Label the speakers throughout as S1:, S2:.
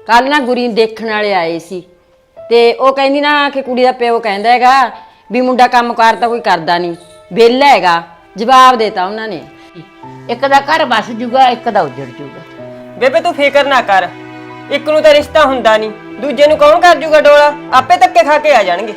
S1: ਕੱਲ ਨਾ ਗੁਰੀ ਨੂੰ ਦੇਖਣ ਵਾਲੇ ਆਏ ਸੀ ਤੇ ਉਹ ਕਹਿੰਦੀ ਨਾ ਕਿ ਕੁੜੀ ਦਾ ਪਿਓ ਕਹਿੰਦਾ ਹੈਗਾ ਵੀ ਮੁੰਡਾ ਕੰਮ ਕਾਰ ਤਾਂ ਕੋਈ ਕਰਦਾ ਨਹੀਂ, ਵਿਹਲਾ ਹੈਗਾ। ਜਵਾਬ ਦੇਤਾ ਉਹਨਾਂ ਨੇ।
S2: ਇੱਕ ਦਾ ਘਰ ਬਸ ਜੂਗਾ, ਇੱਕ ਦਾ ਉੱਜੜ ਜੂਗਾ।
S3: ਬੇਬੇ ਤੂੰ ਫਿਕਰ ਨਾ ਕਰ, ਇੱਕ ਨੂੰ ਤਾਂ ਰਿਸ਼ਤਾ ਹੁੰਦਾ ਨਹੀਂ, ਦੂਜੇ ਨੂੰ ਕੌਣ ਕਰ ਜੂਗਾ ਡੋਲਾ? ਆਪੇ ਧੱਕੇ ਖਾ ਕੇ ਆ ਜਾਣਗੇ।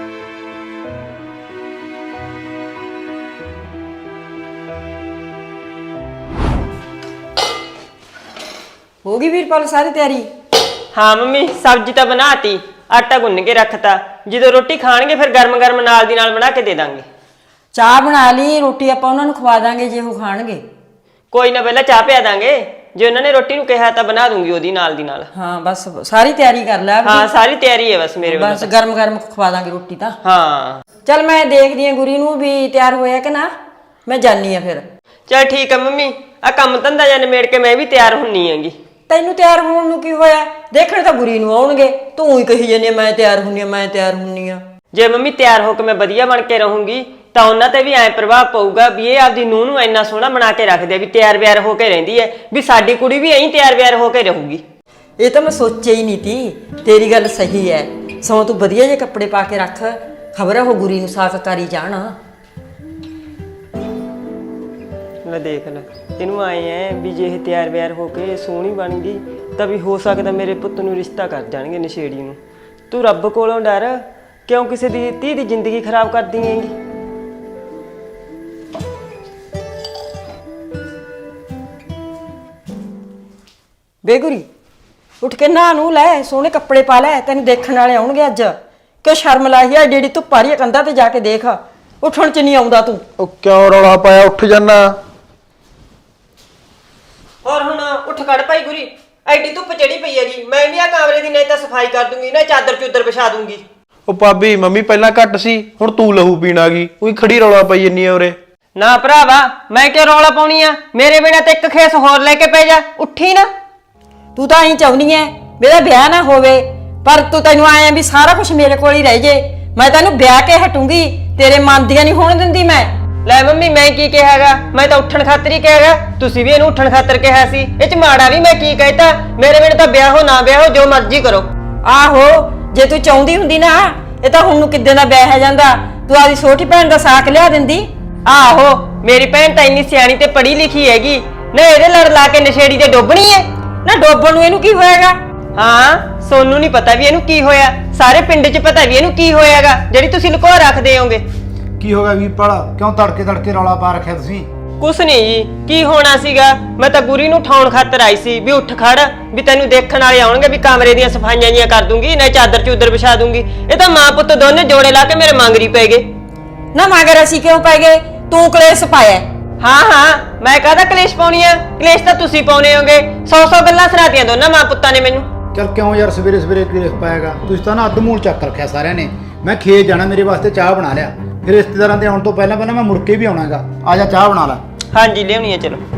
S1: ਹੋ ਗਈ ਵੀਰਪਾਲ ਸਾਰੀ ਤਿਆਰੀ?
S3: ਹਾਂ ਮੰਮੀ, ਸਬਜ਼ੀ ਤਾਂ ਬਣਾਤੀ, ਆਟਾ ਗੁੰਨ ਕੇ ਰੱਖਤਾ। ਜਦੋਂ ਰੋਟੀ ਖਾਣਗੇ ਫਿਰ ਗਰਮ ਗਰਮ ਨਾਲ ਦੀ ਨਾਲ ਬਣਾ ਕੇ ਦੇ ਦਾਂਗੇ।
S1: ਚਾਹ ਬਣਾ ਲਈ, ਰੋਟੀ ਆਪਾਂ ਉਹਨਾਂ ਨੂੰ ਖਵਾ ਦਾਂਗੇ ਜੇ ਉਹ ਖਾਣਗੇ।
S3: ਕੋਈ ਨਾ, ਪਹਿਲਾਂ ਚਾਹ ਪਿਆ ਦਾਂਗੇ, ਜੇ ਉਹਨਾਂ ਨੇ ਰੋਟੀ ਨੂੰ ਕਿਹਾ ਤਾਂ ਬਣਾ ਦੂੰਗੀ ਉਹਦੀ ਨਾਲ ਦੀ ਨਾਲ।
S1: ਹਾਂ ਬਸ ਸਾਰੀ ਤਿਆਰੀ ਕਰ ਲੈ।
S3: ਹਾਂ ਸਾਰੀ ਤਿਆਰੀ ਹੈ ਬਸ ਮੇਰੇ ਵੱਲੋਂ।
S1: ਬਸ ਗਰਮ ਗਰਮ ਖਵਾ ਦਾਂਗੇ ਰੋਟੀ ਤਾਂ।
S3: ਹਾਂ
S1: ਚੱਲ ਮੈਂ ਦੇਖਦੀ ਆ ਗੁਰੀ ਨੂੰ ਵੀ ਤਿਆਰ ਹੋਇਆ ਕਿ ਨਾ, ਮੈਂ ਜਾਨੀ ਆ ਫਿਰ।
S3: ਚਲ ਠੀਕ ਹੈ ਮੰਮੀ, ਆ ਕੰਮ ਧੰਦਾ ਜਾਂ ਨਿਬੇੜ ਕੇ ਮੈਂ ਵੀ ਤਿਆਰ ਹੁੰਨੀ ਹੈਗੀ।
S1: ਤੈਨੂੰ ਤਿਆਰ ਹੋਣ ਨੂੰ ਕੀ ਹੋਇਆ? ਦੇਖਣ ਤਾਂ ਗੁਰੀ ਨੂੰ ਆਉਣਗੇ, ਤੂੰ ਹੀ ਕਹੀ ਜਾਂਦੀ ਮੈਂ ਤਿਆਰ ਹੁੰਨੀ ਆ, ਮੈਂ ਤਿਆਰ ਹੁੰਨੀ ਆ।
S3: ਜੇ ਮੰਮੀ ਤਿਆਰ ਹੋ ਕੇ ਮੈਂ ਵਧੀਆ ਬਣ ਕੇ ਰਹੂੰਗੀ ਤਾਂ ਉਹਨਾਂ ਤੇ ਵੀ ਐ ਪ੍ਰਭਾਵ ਪਊਗਾ ਵੀ ਇਹ ਆਪਦੀ ਨੂੰਹ ਨੂੰ ਇੰਨਾ ਸੋਹਣਾ ਬਣਾ ਕੇ ਰੱਖਦੇ ਆ, ਵੀ ਤਿਆਰ ਬਿਆਰ ਹੋ ਕੇ ਰਹਿੰਦੀ ਹੈ, ਵੀ ਸਾਡੀ ਕੁੜੀ ਵੀ ਐਂ ਤਿਆਰ ਬਿਆਰ ਹੋ ਕੇ ਰਹੂਗੀ।
S1: ਇਹ ਤਾਂ ਮੈਂ ਸੋਚਿਆ ਹੀ ਨਹੀਂ ਤੀ। ਤੇਰੀ ਗੱਲ ਸਹੀ ਹੈ, ਸਗੋਂ ਤੂੰ ਵਧੀਆ ਜਿਹੇ ਕੱਪੜੇ ਪਾ ਕੇ ਰੱਖ, ਖਬਰ ਉਹ ਗੁਰੀ ਨੂੰ ਸਾਕ ਕਰੀ ਜਾਣਾ।
S3: ਲੈ ਦੇਖ ਲੈ, ਇਹਨੂੰ ਆਏ ਐ ਵੀ ਜੇ ਇਹ ਤਿਆਰ ਬਿਆਰ ਹੋ ਕੇ ਸੋਹਣੀ ਬਣ ਗਈ ਤਾਂ ਵੀ ਹੋ ਸਕਦਾ ਮੇਰੇ ਪੁੱਤ ਨੂੰ ਰਿਸ਼ਤਾ ਕਰ ਜਾਣਗੇ ਨਸ਼ੇੜੀ ਨੂੰ। ਤੂੰ ਰੱਬ ਕੋਲੋਂ ਡਰ, ਕਿਉਂ ਕਿਸੇ ਦੀ ਧੀ ਦੀ ਜ਼ਿੰਦਗੀ ਖਰਾਬ ਕਰਦੀ ਹੈਂਗੀ?
S1: ਬੇਗੁਰੀ ਉੱਠ ਕੇ ਨਹਾ ਨੂੰ ਲੈ, ਸੋਹਣੇ ਕੱਪੜੇ ਪਾ ਲੈ, ਤੈਨੂੰ ਦੇਖਣ ਵਾਲੇ ਆਉਣਗੇ ਅੱਜ। ਕਿਉਂ ਸ਼ਰਮ ਲਾਈ ਆ? ਜਿਹੜੀ ਧੁੱਪ ਆ ਰਹੀ ਹੈ ਕੰਧਾਂ ਤੇ ਜਾ ਕੇ ਦੇਖ, ਉੱਠਣ ਚ ਨਹੀਂ ਆਉਂਦਾ ਤੂੰ।
S4: ਉਹ ਕਿਉਂ ਰੌਲਾ ਪਾਇਆ? ਉੱਠ ਜਾਨਾ।
S3: ਹੋਰ ਹੁਣ ਉੱਠ ਖੜ ਭਾਈ ਗੁਰੀ, ਐਡੀ ਧੁੱਪ ਚੜੀ ਪਈ ਹੈਗੀ। ਮੈਂ ਵੀ ਆ ਕਮਰੇ ਦੀ ਨਹੀਂ ਤਾਂ ਸਫਾਈ ਕਰ ਦੂੰਗੀ, ਨਾ ਚਾਦਰ ਚੂਦਰ ਵਿਛਾ ਦੂੰਗੀ।
S4: ਉਹ ਭਾਬੀ ਮੰਮੀ ਪਹਿਲਾਂ ਘੱਟ ਸੀ, ਹੁਣ ਤੂੰ ਲਹੂ ਪੀਣ ਆ ਗਈ। ਉਹੀ ਖੜੀ ਰੌਲਾ ਪਾਈ ਜੰਨੀ ਆ ਉਰੇ।
S3: ਨਾ ਭਰਾਵਾ, ਮੈਂ ਕਿਉਂ ਰੌਲਾ ਪਾਉਣੀ ਆ? ਮੇਰੇ ਬਿਨਾਂ ਤੇ ਇੱਕ ਖੇਸ ਹੋਰ ਲੈ ਕੇ ਪੈ ਜਾ, ਉੱਠੀ ਨਾ।
S1: ਤੂੰ ਤਾਂ ਐਂ ਚਾਹੁੰਦੀ ਐ ਮੇਰਾ ਵਿਆਹ ਨਾ ਹੋਵੇ, ਪਰ ਤੈਨੂੰ ਆਇਆ ਵੀ ਸਾਰਾ ਕੁਝ ਮੇਰੇ ਕੋਲ ਹੀ ਰਹਿ ਜੇ। ਮੈਂ ਤੈਨੂੰ ਵਿਆਹ ਕੇ ਹਟੂੰਗੀ, ਤੇਰੇ ਮਨ ਦੀਆਂ ਨਹੀਂ ਹੋਣ ਦਿੰਦੀ ਮੈਂ।
S3: ਲੈ ਮੰਮੀ, ਮੈਂ ਕੀ ਕਿਹਾਗਾ? ਮੈਂ ਤਾਂ ਉੱਠਣ ਖਾਤਰ ਹੀ ਕਿਹਾਗਾ, ਤੁਸੀਂ ਵੀ ਇਹਨੂੰ ਉੱਠਣ ਖਾਤਰ ਕਿਹਾ ਸੀ। ਇਹ ਚ ਮਾੜਾ ਵੀ ਮੈਂ ਕੀ ਕਹਿਤਾ? ਮੇਰੇ ਬਿਨਾਂ ਤਾਂ ਵਿਆਹ ਹੋ ਨਾ ਵਿਆਹ ਹੋ, ਜੋ ਮਰਜ਼ੀ ਕਰੋ।
S1: ਆਹੋ, ਜੇ ਤੂੰ ਚਾਹੁੰਦੀ ਹੁੰਦੀ ਨਾ ਇਹ ਤਾਂ ਹੁਣ ਨੂੰ ਕਿੱਦਾਂ ਦਾ ਵਿਆਹ ਹੈ ਜਾਂਦਾ, ਤੂੰ ਆਪਦੀ ਛੋਟੀ ਭੈਣ ਦਾ ਸਾਕ ਲਿਆ ਦਿੰਦੀ।
S3: ਆਹੋ, ਮੇਰੀ ਭੈਣ ਤਾਂ ਇੰਨੀ ਸਿਆਣੀ ਤੇ ਪੜ੍ਹੀ ਲਿਖੀ ਹੈਗੀ ਨਾ, ਇਹਦੇ ਲੜ ਲਾ ਕੇ ਨਸ਼ੇੜੀ ਤੇ ਡੋਬਣੀ ਹੈ
S1: ਨਾ। ਡੋਬਣ ਨੂੰ ਇਹਨੂੰ ਕੀ ਹੋਏਗਾ?
S3: ਹਾਂ, ਸੋਨੂੰ ਨਹੀਂ ਪਤਾ ਵੀ ਇਹਨੂੰ ਕੀ ਹੋਇਆ, ਸਾਰੇ ਪਿੰਡ 'ਚ ਪਤਾ ਵੀ ਇਹਨੂੰ ਕੀ ਹੋਇਆਗਾ, ਜਿਹੜੀ ਤੁਸੀਂ ਲੁਕੋ ਰੱਖਦੇ ਹੋਗੇ।
S5: ਕੀ ਹੋ ਗਿਆ ਵੀਰਪਾਲ? ਕਿਉਂ ਤੜਕੇ ਰੌਲਾ ਪਾ ਰੱਖਿਆ ਤੁਸੀਂ?
S3: ਕੁਛ ਨਹੀਂ ਜੀ, ਕੀ ਹੋਣਾ ਸੀਗਾ? ਮੈਂ ਤਾਂ ਗੁਰੀ ਨੂੰ ਉਠਾਉਣ ਖਾਤਰ ਆਈ ਸੀ ਵੀ ਉੱਠ ਖੜ, ਵੀ ਤੈਨੂੰ ਦੇਖਣ ਵਾਲੇ ਆਉਣਗੇ, ਵੀ ਕਮਰੇ ਦੀਆਂ ਸਫਾਈਆਂ ਜੀਆਂ ਕਰ ਦੂੰਗੀ, ਨਾ ਚਾਦਰ ਚੂਦਰ ਵਿਛਾ ਦੂੰਗੀ। ਇਹ ਤਾਂ ਮਾਂ ਪੁੱਤ ਦੋਨੇ ਜੋੜੇ ਲਾ ਕੇ ਮੇਰੇ ਮੰਗਰੀ ਪੈ ਗਏ।
S1: ਨਾ ਮਗਰ ਅਸੀਂ ਕਿਉਂ ਪੈ ਗਏ? ਤੂੰ ਕਲੇਸ਼ ਪਾਇਆ।
S3: ਹਾਂ, ਮੈਂ ਕਾਹਦਾ ਕਲੇਸ਼ ਪਾਉਣੀ ਆ? ਕਲੇਸ਼ ਤਾਂ ਤੁਸੀਂ ਪਾਉਣੇ ਹੋਗੇ। 100 ਗੱਲਾਂ ਸੁਣਾਤੀਆਂ ਦੋਨਾਂ ਮਾਂ ਪੁੱਤਾਂ ਨੇ ਮੈਨੂੰ।
S5: ਚਲ ਕਿਉਂ ਯਾਰ ਸਵੇਰੇ ਕਲੇਸ਼ ਪਾਏਗਾ? ਤੁਸੀਂ ਤਾਂ ਨਾ ਅੱਧ ਮੂਲ ਚੱਕ ਰੱਖਿਆ ਸਾਰਿਆਂ ਨੇ। ਮੈਂ ਖੇਤ ਜਾਣਾ, ਮੇਰੇ ਵਾਸਤੇ ਚਾਹ ਬਣਾ ਲਿਆ, ਫਿਰ ਰਿਸ਼ਤੇਦਾਰਾਂ ਦੇ ਆਉਣ ਤੋਂ ਪਹਿਲਾਂ ਮੈਂ ਮੁੜ ਕੇ ਵੀ ਆਉਣਾਗਾ। ਆ ਜਾ ਚਾਹ ਬਣਾ ਲੈ।
S3: ਹਾਂਜੀ ਲਿਆਉਣੀ ਆ, ਚਲੋ।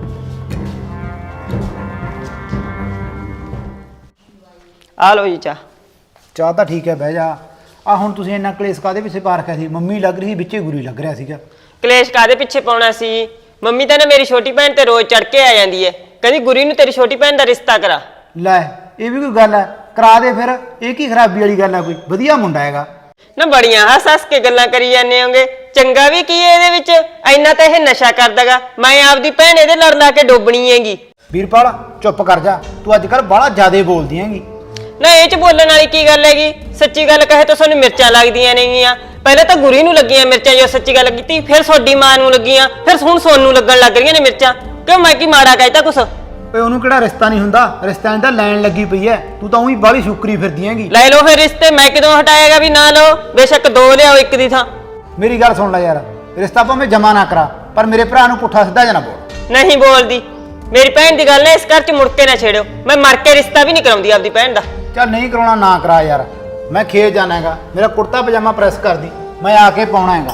S3: ਆ ਲਓ ਜੀ ਚਾਹ।
S5: ਚਾਹ ਤਾਂ ਠੀਕ ਹੈ, ਬਹਿ ਜਾ। ਆ ਹੁਣ ਤੁਸੀਂ ਇੰਨਾ ਕਲੇਸ਼ ਕਾਹਦੇ ਪਿੱਛੇ ਪਾ ਰੱਖਿਆ ਸੀ? ਮੰਮੀ ਲੱਗ ਰਹੀ ਸੀ ਵਿੱਚੇ, ਗੁਰੀ ਲੱਗ ਰਿਹਾ ਸੀਗਾ।
S3: ਕਲੇਸ਼ ਕਾਦੇ ਪਿੱਛੇ ਪਾਉਣਾ ਸੀ? ਮੰਮੀ ਤਾਂ ਨਾ ਮੇਰੀ ਛੋਟੀ ਭੈਣ ਤੇ ਰੋਜ਼ ਚੜ ਕੇ ਆ ਜਾਂਦੀ ਹੈ, ਕਹਿੰਦੀ ਗੁਰੀ ਨੂੰ ਤੇਰੀ ਛੋਟੀ ਭੈਣ ਦਾ ਰਿਸ਼ਤਾ ਕਰਾ।
S5: ਲੈ, ਇਹ ਵੀ ਕੋਈ ਗੱਲ ਹੈ? ਕਰਾ ਦੇ ਫਿਰ। ਇਹ ਕੀ ਖਰਾਬੀ ਵਾਲੀ ਗੱਲ ਹੈ? ਕੋਈ ਵਧੀਆ ਮੁੰਡਾ ਹੈਗਾ
S3: ਨਾ। ਬੜੀਆਂ ਹੱਸ ਕੇ ਗੱਲਾਂ ਕਰੀ ਜਾਂਦੇ ਹੋਗੇ, ਚੰਗਾ ਵੀ ਕੀ ਹੈ ਇਹਦੇ ਵਿੱਚ? ਇੰਨਾ ਤਾਂ ਇਹ ਨਸ਼ਾ ਕਰਦਾਗਾ। ਮੈਂ ਆਪਦੀ ਭੈਣ ਇਹਦੇ ਲੜ ਲਾ ਕੇ ਡੋਬਣੀ ਹੈਗੀ।
S5: ਵੀਰਪਾਲ ਚੁੱਪ ਕਰ ਜਾ, ਤੂੰ ਅੱਜ ਕੱਲ ਬਾਹਲਾ ਜ਼ਿਆਦੇ ਬੋਲਦੀ ਹੈਗੀ।
S3: ਨਾ ਇਹ ਚ ਬੋਲਣ ਵਾਲੀ ਕੀ ਗੱਲ ਹੈਗੀ? ਸੱਚੀ ਗੱਲ ਕਹੇ ਤਾਂ ਸਾਨੂੰ ਮਿਰਚਾਂ ਲੱਗਦੀਆਂ ਨੇਗੀਆਂ। ਪਹਿਲਾਂ ਤਾਂ ਗੁਰੀ ਨੂੰ ਲੱਗੀਆਂ ਮਿਰਚਾਂ, ਜੋ ਸੱਚੀ ਗੱਲ ਕੀਤੀ, ਫਿਰ ਤੁਹਾਡੀ ਮਾਂ ਨੂੰ ਲੱਗੀਆਂ, ਫਿਰ ਹੁਣ ਸੋਨੂੰ ਲੱਗਣ ਲੱਗ ਰਹੀਆਂ ਨੇ ਮਿਰਚਾਂ। ਕਿਉਂ ਮੈਂ ਕੀ ਮਾੜਾ ਕਹਿਤਾ ਕੁਛ?
S5: ਓਏ ਉਹਨੂੰ ਕਿਹੜਾ ਰਿਸ਼ਤਾ ਨਹੀਂ ਹੁੰਦਾ? ਰਿਸ਼ਤਿਆਂ ਦੀ ਤਾਂ ਲੈਣ ਲੱਗੀ ਪਈ ਐ। ਤੂੰ ਤਾਂ ਉਹੀ ਬਾਹਲੀ ਸ਼ੁਕਰੀ ਫਿਰਦੀ ਹੈਗੀ।
S3: ਲੈ ਲਓ ਫਿਰ ਰਿਸ਼ਤੇ, ਮੈਂ ਕਿਦੋਂ ਹਟਾਏਗਾ ਵੀ ਨਾ ਲਓ? ਬੇਸ਼ੱਕ 2 ਲਿਆਓ, ਇੱਕ ਦੀ ਥਾਂ।
S5: ਮੇਰੀ ਗੱਲ ਸੁਣ ਲੈ ਯਾਰ, ਰਿਸ਼ਤਾ ਭਾਵੇਂ ਜਮਾ ਨਾ ਕਰਾ, ਪਰ ਮੇਰੇ ਭਰਾ ਨੂੰ ਪੁੱਠਾ ਸਿੱਧਾ ਜਾਂ ਨਾ ਬੋਲ।
S3: ਨਹੀਂ ਬੋਲਦੀ। ਮੇਰੀ ਭੈਣ ਦੀ ਗੱਲ ਹੈ, ਇਸ ਘਰ 'ਚ ਮੁੜ ਕੇ ਨਾ ਛੇੜਿਓ। ਮੈਂ ਮਰ ਕੇ ਰਿਸ਼ਤਾ ਵੀ ਨਹੀਂ ਕਰਾਉਂਦੀ ਆਪਦੀ ਭੈਣ ਦਾ।
S5: ਚੱਲ ਨਹੀਂ ਕਰਾਉਣਾ ਨਾ ਕਰਾ ਯਾਰ, ਮੈਂ ਖੇਤ ਜਾਣਾ ਹੈਗਾ। ਮੇਰਾ ਕੁੜਤਾ ਪਜਾਮਾ ਪ੍ਰੈਸ ਕਰਦੀ, ਮੈਂ ਆ ਕੇ ਪਾਉਣਾ ਹੈਗਾ।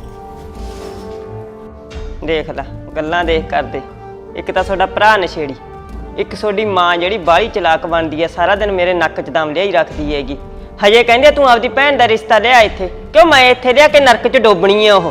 S3: ਦੇਖ ਲੈ ਗੱਲਾਂ ਦੇਖ ਕਰਦੇ, ਇੱਕ ਤਾਂ ਤੁਹਾਡਾ ਭਰਾ ਨਸ਼ੇੜੀ, ਇੱਕ ਤੁਹਾਡੀ ਮਾਂ ਜਿਹੜੀ ਬਾਹਲੀ ਚਲਾਕ ਬਣਦੀ ਹੈ, ਸਾਰਾ ਦਿਨ ਮੇਰੇ ਨੱਕ 'ਚ ਦਮ ਲਿਆਈ ਰੱਖਦੀ ਹੈਗੀ। ਹਜੇ ਕਹਿੰਦੇ ਤੂੰ ਆਪਦੀ ਭੈਣ ਦਾ ਰਿਸ਼ਤਾ ਲਿਆ ਇੱਥੇ, ਕਿਉਂ ਮੈਂ ਇੱਥੇ ਲਿਆ ਕੇ ਨਰਕ 'ਚ ਡੋਬਣੀ ਹੈ ਉਹ।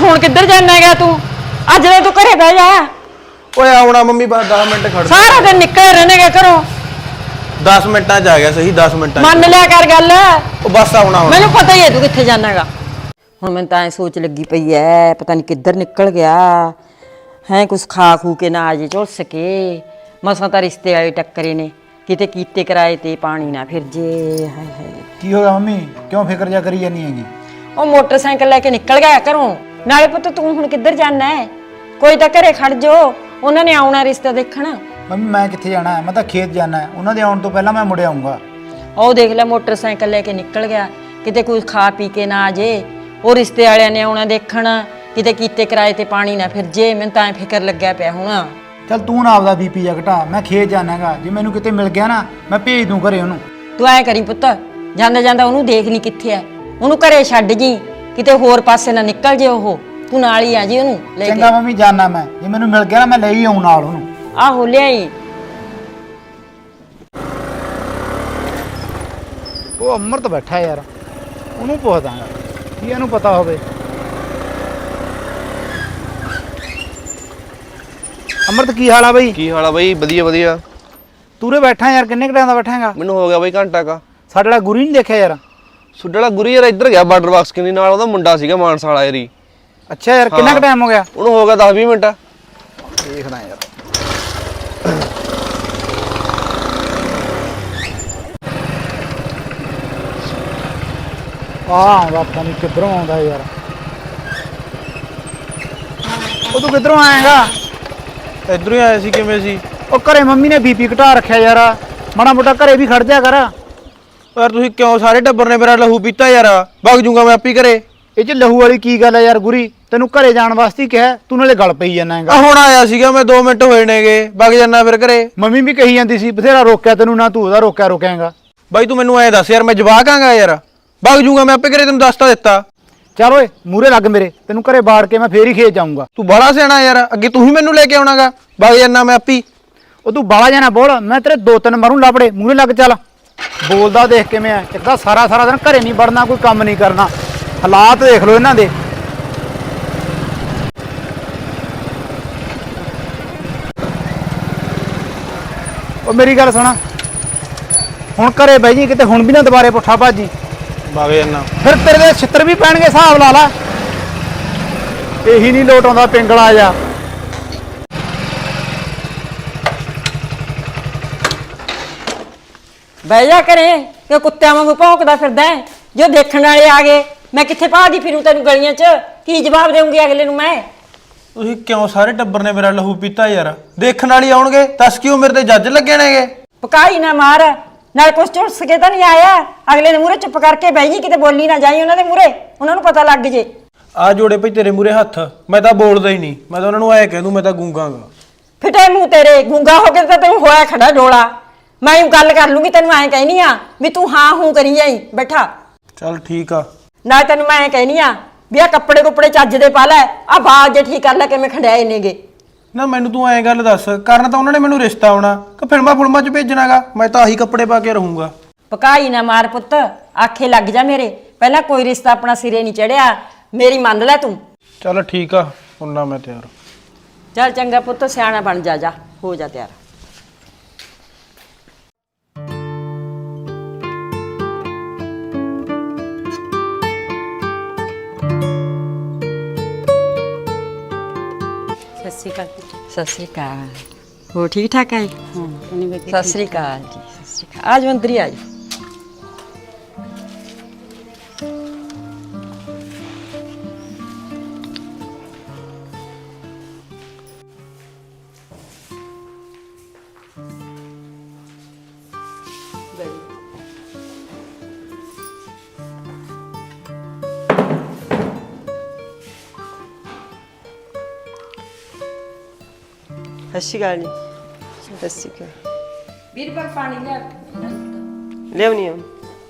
S1: ਹੁਣ ਕਿੱਧਰ ਜਾਣਾ ਹੈਗਾ ਤੂੰ? ਅੱਜ ਤਾਂ ਤੂੰ ਘਰੇ ਬਹਿ ਜਾ।
S4: ਓਏ ਆਉਣਾ ਮੰਮੀ ਬਸ 10 ਮਿੰਟ ਖੜ ਜਾ।
S1: ਸਾਰਾ ਦਿਨ ਨਿਕਲ ਰਹਿਣਗੇ ਘਰੋਂ।
S4: 10 ਮਿੰਟਾਂ 'ਚ ਆ ਗਿਆ ਸਹੀ 10 ਮਿੰਟਾਂ 'ਚ।
S1: ਮੰਨ ਲਿਆ ਕਰ ਗੱਲ।
S4: ਉਹ ਬਸ ਆਉਣਾ ਹੁਣ।
S1: ਮੈਨੂੰ ਪਤਾ ਹੀ ਹੈ ਤੂੰ ਕਿੱਥੇ ਜਾਣਾਗਾ। ਹੁਣ ਮੈਨੂੰ ਤਾਂ ਐ ਸੋਚ ਲੱਗੀ ਪਈ ਐ, ਪਤਾ ਨਹੀਂ ਕਿੱਧਰ ਨਿਕਲ ਗਿਆ ਹੈ। ਕੁਛ ਖਾ ਖੂ ਕੇ ਨਾ ਆ ਜੇ ਝੁਲਸ ਕੇ। ਮਸਾਂ ਤਾਂ ਰਿਸ਼ਤੇ ਵਾਲੇ ਟੱਕਰੇ ਨੇ, ਕਿਤੇ ਕੀਤੇ ਕਿਰਾਏ ਤੇ ਪਾਣੀ ਨਾ ਫਿਰ ਜੇ। ਹਾਏ ਹਾਏ,
S5: ਕੀ ਹੋ ਗਿਆ ਮੰਮੀ? ਕਿਉਂ ਫਿਕਰ ਜਾ ਕਰੀ ਜਾਨੀ ਹੈਗੀ?
S1: ਉਹ ਮੋਟਰਸਾਈਕਲ ਲੈ ਕੇ ਨਿਕਲ ਗਿਆ ਘਰੋਂ। ਨਾਲੇ ਪੁੱਤ ਤੂੰ ਹੁਣ ਕਿੱਧਰ ਜਾਣਾ ਹੈ? ਕੋਈ ਤਾਂ ਘਰੇ ਖੜ ਜੋ, ਉਹਨਾਂ ਨੇ ਆਉਣਾ ਰਿਸ਼ਤਾ ਦੇਖਣ।
S5: ਮੰਮੀ ਮੈਂ ਕਿੱਥੇ ਜਾਣਾ ਹੈ? ਮੈਂ ਤਾਂ ਖੇਤ ਜਾਣਾ ਹੈ। ਉਹਨਾਂ ਦੇ ਆਉਣ ਤੋਂ ਪਹਿਲਾਂ ਮੈਂ ਮੁੜ ਆਊਂਗਾ।
S1: ਉਹ ਦੇਖ ਲੈ ਮੋਟਰਸਾਈਕਲ ਲੈ ਕੇ ਨਿਕਲ ਗਿਆ, ਕਿਤੇ ਕੋਈ ਖਾ ਪੀ ਕੇ ਨਾ ਆ ਜੇ। ਉਹ ਰਿਸ਼ਤੇ ਵਾਲਿਆਂ ਨੇ ਆਉਣਾ ਦੇਖਣ, ਕਿਤੇ ਕੀਤੇ ਕਿਰਾਏ ਤੇ ਪਾਣੀ ਨਾ ਫਿਰ ਜੇ। ਮੈਨੂੰ ਤਾਂ ਐ ਫਿਕਰ ਲੱਗਿਆ ਪਿਆ ਹੁਣ।
S5: ਚੱਲ ਤੂੰ ਨਾ ਆਪਦਾ ਬੀਪੀ ਜਾ ਘਟਾ, ਮੈਂ ਖੇਤ ਜਾਣਾ ਹੈਗਾ। ਜੇ ਮੈਨੂੰ ਕਿਤੇ ਮਿਲ ਗਿਆ ਨਾ ਮੈਂ ਭੇਜ ਦੂੰ ਘਰੇ ਉਹਨੂੰ।
S1: ਤੂੰ ਐ ਕਰੀ ਪੁੱਤ, ਜਾਂਦਾ ਜਾਂਦਾ ਉਹਨੂੰ ਦੇਖ ਲਈ ਕਿੱਥੇ ਐ, ਉਹਨੂੰ ਘਰੇ ਛੱਡ ਜੀ, ਕਿਤੇ ਹੋਰ ਪਾਸੇ ਨਾ ਨਿਕਲ ਜੇ ਉਹ। ਤੂੰ ਨਾਲ ਹੀ ਆ ਜੀ ਉਹਨੂੰ ਲੈ ਕੇ।
S5: ਚੰਗਾ ਮੰਮੀ ਜਾਣਾ ਮੈਂ, ਜੇ ਮੈਨੂੰ ਮਿਲ ਗਿਆ ਨਾ ਮੈਂ ਲੈ ਹੀ ਆਉਂ ਨਾਲ ਉਹਨੂੰ।
S1: ਆਹੋ ਲਿਆਈ।
S5: ਉਹ ਅਮਰਤ ਬੈਠਾ ਯਾਰ, ਉਹਨੂੰ ਪੁੱਛਦਾਂਗਾ ਕੀ ਇਹਨੂੰ ਪਤਾ ਹੋਵੇ। ਅਮਰਤ ਕੀ ਹਾਲ ਆ ਬਈ?
S4: ਕੀ ਹਾਲ ਆ ਬਈ? ਵਧੀਆ ਵਧੀਆ।
S5: ਤੂਰੇ ਬੈਠਾ ਯਾਰ, ਕਿੰਨੇ ਘੰਟਿਆਂ ਦਾ ਬੈਠਾਂਗਾ?
S4: ਮੈਨੂੰ ਹੋ ਗਿਆ ਬਈ ਘੰਟਾ ਕਾ।
S5: ਸਾਡੇ ਵਾਲਾ ਗੁਰੀ ਨਹੀਂ ਦੇਖਿਆ ਯਾਰ?
S4: ਸੁੱਡਾ ਵਾਲਾ ਗੁਰੀ ਯਾਰ ਇੱਧਰ ਗਿਆ ਬਾਰਡਰ ਬਾਕਸ ਕਿੰਨੀ ਨਾਲ, ਉਹਦਾ ਮੁੰਡਾ ਸੀਗਾ ਮਾਨਸਾ ਵਾਲਾ ਯਾਰੀ।
S5: ਅੱਛਾ ਯਾਰ, ਕਿੰਨਾ ਕੁ ਟਾਈਮ ਹੋ ਗਿਆ?
S4: ਉਹਨੂੰ ਹੋ ਗਿਆ 10-20 ਮਿੰਟ।
S5: ਦੇਖਦਾ ਯਾਰ। ਆਉਂਦਾ ਪਤਾ ਨਹੀਂ ਕਿੱਧਰੋਂ ਆਉਂਦਾ ਯਾਰ। ਉਹ ਤੂੰ ਕਿੱਧਰੋਂ ਆਏਗਾ?
S4: ਇੱਧਰੋਂ ਹੀ ਆਇਆ ਸੀ। ਕਿਵੇਂ ਸੀ?
S5: ਉਹ ਘਰੇ ਮੰਮੀ ਨੇ ਬੀਪੀ ਘਟਾ ਰੱਖਿਆ ਯਾਰ, ਮਾੜਾ ਮੋਟਾ ਘਰੇ ਵੀ ਖੜ ਜਾ ਕਰ।
S4: ਯਾਰ ਤੁਸੀਂ ਕਿਉਂ ਸਾਰੇ ਟੱਬਰ ਨੇ ਮੇਰਾ ਲਹੂ ਪੀਤਾ ਯਾਰ? ਵਗ ਜੂੰਗਾ ਮੈਂ ਆਪੀ ਘਰੇ।
S5: ਇਹ ਚ ਲਹੂ ਵਾਲੀ ਕੀ ਗੱਲ ਹੈ ਯਾਰ? ਗੁਰੀ ਤੈਨੂੰ ਘਰੇ ਜਾਣ ਵਾਸਤੇ ਹੀ ਕਿਹਾ, ਤੂੰ ਨਾਲੇ ਗੱਲ ਪਈ ਜਾਂਦਾ ਹੈਗਾ।
S4: ਆ ਹੁਣ ਆਇਆ ਸੀਗਾ ਮੈਂ, 2 ਮਿੰਟ ਹੋਏ ਨੇਗੇ, ਵਗ ਜਾਨਾ ਫਿਰ ਘਰੇ।
S5: ਮੰਮੀ ਵੀ ਕਹੀ ਜਾਂਦੀ ਸੀ ਬਥੇਰਾ ਰੋਕਿਆ ਤੈਨੂੰ, ਨਾ ਤੂੰ ਉਹਦਾ ਰੋਕਿਆਂਗਾ।
S4: ਬਾਈ ਤੂੰ ਮੈਨੂੰ ਐ ਦੱਸ ਯਾਰ, ਮੈਂ ਜਵਾਕ ਆਂਗਾ ਯਾਰ? ਵਗ ਜੂੰਗਾ ਮੈਂ ਆਪੇ ਘਰੇ, ਤੈਨੂੰ ਦੱਸ ਤਾਂ ਦਿੱਤਾ।
S5: ਚੱਲ ਓਏ ਮੂਰੇ ਲੱਗ ਮੇਰੇ, ਤੈਨੂੰ ਘਰੇ ਬਾੜ ਕੇ ਮੈਂ ਫੇਰ ਹੀ ਖੇਤ ਜਾਊਂਗਾ।
S4: ਤੂੰ ਬੜਾ ਸਿਆਣਾ ਯਾਰ, ਅੱਗੇ ਤੂੰ ਹੀ ਮੈਨੂੰ ਲੈ ਕੇ ਆਉਣਾਗਾ। ਵਗ ਜਾਨਾ ਮੈਂ ਆਪੀ।
S5: ਉਹ ਤੂੰ ਬਾਲਾ ਜਾਣਾ ਬੋਲ, ਮੈਂ ਤੇਰੇ 2-3 ਮਾਰੂ ਲਾਪੜੇ। ਮੂਰੇ ਲੱਗ ਚੱਲ। ਬੋਲਦਾ ਦੇਖ ਕਿਵੇਂ ਆ, ਇੱਕ ਤਾਂ ਸਾਰਾ ਦਿਨ ਘਰੇ ਨਹੀਂ ਵੜਨਾ, ਕੋਈ ਕੰਮ ਨਹੀਂ ਕਰਨਾ। ਹਾਲਾਤ ਦੇਖ ਲਓ ਇਹਨਾਂ ਦੇ। ਉਹ ਮੇਰੀ ਗੱਲ ਸੁਣਾ, ਹੁਣ ਘਰੇ ਬਹਿ ਜੀ, ਕਿਤੇ ਹੁਣ ਵੀ ਨਾ ਦੁਬਾਰੇ ਪੁੱਠਾ ਭਾਜੀ।
S4: ਵਗ ਜਾਨਾ
S5: ਫਿਰ ਤੇਰੇ ਦੇ ਛਿੱਤਰ ਵੀ ਪੈਣਗੇ, ਹਿਸਾਬ ਲਾ ਲਾ। ਇਹੀ ਨਹੀਂ ਲੋਟ ਆਉਂਦਾ ਪਿੰਗਲਾ ਜਾ।
S1: ਬਹਿ ਜਾ ਘਰੇ ਕਿ ਕੁੱਤਿਆਂ ਵਾਂਗੂ ਭੌਂਕਦਾ ਫਿਰਦਾ ਹੈ। ਜੋ ਦੇਖਣ ਵਾਲੇ ਆ ਗਏ, ਮੈਂ ਕਿੱਥੇ ਭਾਲਦੀ ਫਿਰੂ ਤੈਨੂੰ ਗਲੀਆਂ 'ਚ? ਕੀ ਜਵਾਬ ਦੇਵਾਂਗੀ ਅਗਲੇ ਨੂੰ ਮੈਂ?
S4: ਤੁਸੀਂ ਕਿਉਂ ਸਾਰੇ ਟੱਬਰ ਨੇ ਮੇਰਾ ਲਹੂ ਪੀਤਾ ਯਾਰ? ਦੇਖਣ ਵਾਲੀ ਆਉਣਗੇ, ਦੱਸ ਕਿਉਂ ਮੇਰੇ ਤੇ ਜੱਜ ਲੱਗੇ ਨੇਗੇ?
S1: ਪਕਾਈ ਨਾ ਮਾਰ, ਨਾਲ ਕੁਛ ਝੁਲਸ ਕੇ ਤਾਂ ਨਹੀਂ ਆਇਆ। ਅਗਲੇ ਦੇ ਮੂਹਰੇ ਚੁੱਪ ਕਰਕੇ ਬਹਿ ਜੀ, ਕਿਤੇ ਬੋਲੀ ਨਾ ਜਾਈ ਉਹਨਾਂ ਦੇ ਮੂਹਰੇ, ਉਹਨਾਂ ਨੂੰ ਪਤਾ ਲੱਗ ਜੇ।
S4: ਆ ਜੋੜੇ ਭਈ ਤੇਰੇ ਮੂਰੇ ਹੱਥ, ਮੈਂ ਤਾਂ ਬੋਲਦਾ ਹੀ ਨਹੀਂ। ਮੈਂ ਤਾਂ ਉਹਨਾਂ ਨੂੰ ਐ ਕਹਿ ਦੂੰ ਮੈਂ ਤਾਂ ਗੂੰਗਾਂਗਾ।
S1: ਫਿੱਟੇ ਮੂੰਹ ਤੇਰੇ, ਗੂੰਗਾ ਹੋ ਕੇ ਤਾਂ ਤੈਨੂੰ ਹੋਇਆ ਖੜਾ ਡੋਲਾ। ਮੈਂ ਗੱਲ ਕਰ ਲੂੰਗੀ, ਤੈਨੂੰ ਐਂ ਕਹਿਨੀ ਆ ਵੀ ਤੂੰ ਹਾਂ ਹੂੰ ਕਰੀ ਜਾਈ ਬੈਠਾ।
S4: ਚੱਲ ਠੀਕ ਆ।
S1: ਨਾਲ ਤੈਨੂੰ ਮੈਂ ਐਂ ਕਹਿਨੀ ਆ ਵੀ ਆ ਕੱਪੜੇ ਚੱਜ ਦੇ ਪਾ ਲੈ, ਆ ਬਾਲ ਜੇ ਠੀਕ ਕਰ ਲੈ, ਕਿਵੇਂ ਖੰਡਿਆਏ ਨੇਗੇ।
S4: ਨਾ ਮੈਨੂੰ ਤੂੰ ਐਂ ਗੱਲ ਦੱਸ, ਕਰਨ ਤਾਂ ਉਹਨਾਂ ਨੇ ਮੈਨੂੰ ਰਿਸ਼ਤਾ ਆਉਣਾ ਕਿ ਫਿਲਮਾਂ 'ਚ ਭੇਜਣਾਗਾ? ਮੈਂ ਤਾਂ ਆਹੀ ਕੱਪੜੇ ਪਾ ਕੇ ਰਹੂੰਗਾ।
S1: ਪਕਾਈ ਨਾ ਮਾਰ ਪੁੱਤ, ਆਖੇ ਲੱਗ ਜਾ ਮੇਰੇ। ਪਹਿਲਾਂ ਕੋਈ ਰਿਸ਼ਤਾ ਆਪਣਾ ਸਿਰੇ ਨਹੀਂ ਚੜਿਆ, ਮੇਰੀ ਮੰਨ ਲੈ ਤੂੰ।
S4: ਚੱਲ ਠੀਕ ਆ, ਹੁੰਨਾ ਮੈਂ ਤਿਆਰ।
S1: ਚੱਲ ਚੰਗਾ ਪੁੱਤ, ਸਿਆਣਾ ਬਣ ਜਾ, ਹੋ ਜਾ ਤਿਆਰ। ਸਤਿ ਸ਼੍ਰੀ ਅਕਾਲ। ਹੋ ਠੀਕ ਠਾਕ ਹੈ? ਸਤਿ ਸ਼੍ਰੀ ਅਕਾਲ ਜੀ। ਸਤਿ ਸ਼੍ਰੀ ਅਕਾਲ। ਆਜ ਮੰਦਰੀ ਆਜ।
S3: ਸਤਿ ਸ਼੍ਰੀ ਅਕਾਲ ਜੀ। ਸਤਿ ਸ਼੍ਰੀ ਅਕਾਲ।
S1: ਵੀਰ ਪਰ ਪਾਣੀ ਲਿਆ।
S3: ਲਿਆਉਣੀ ਆ।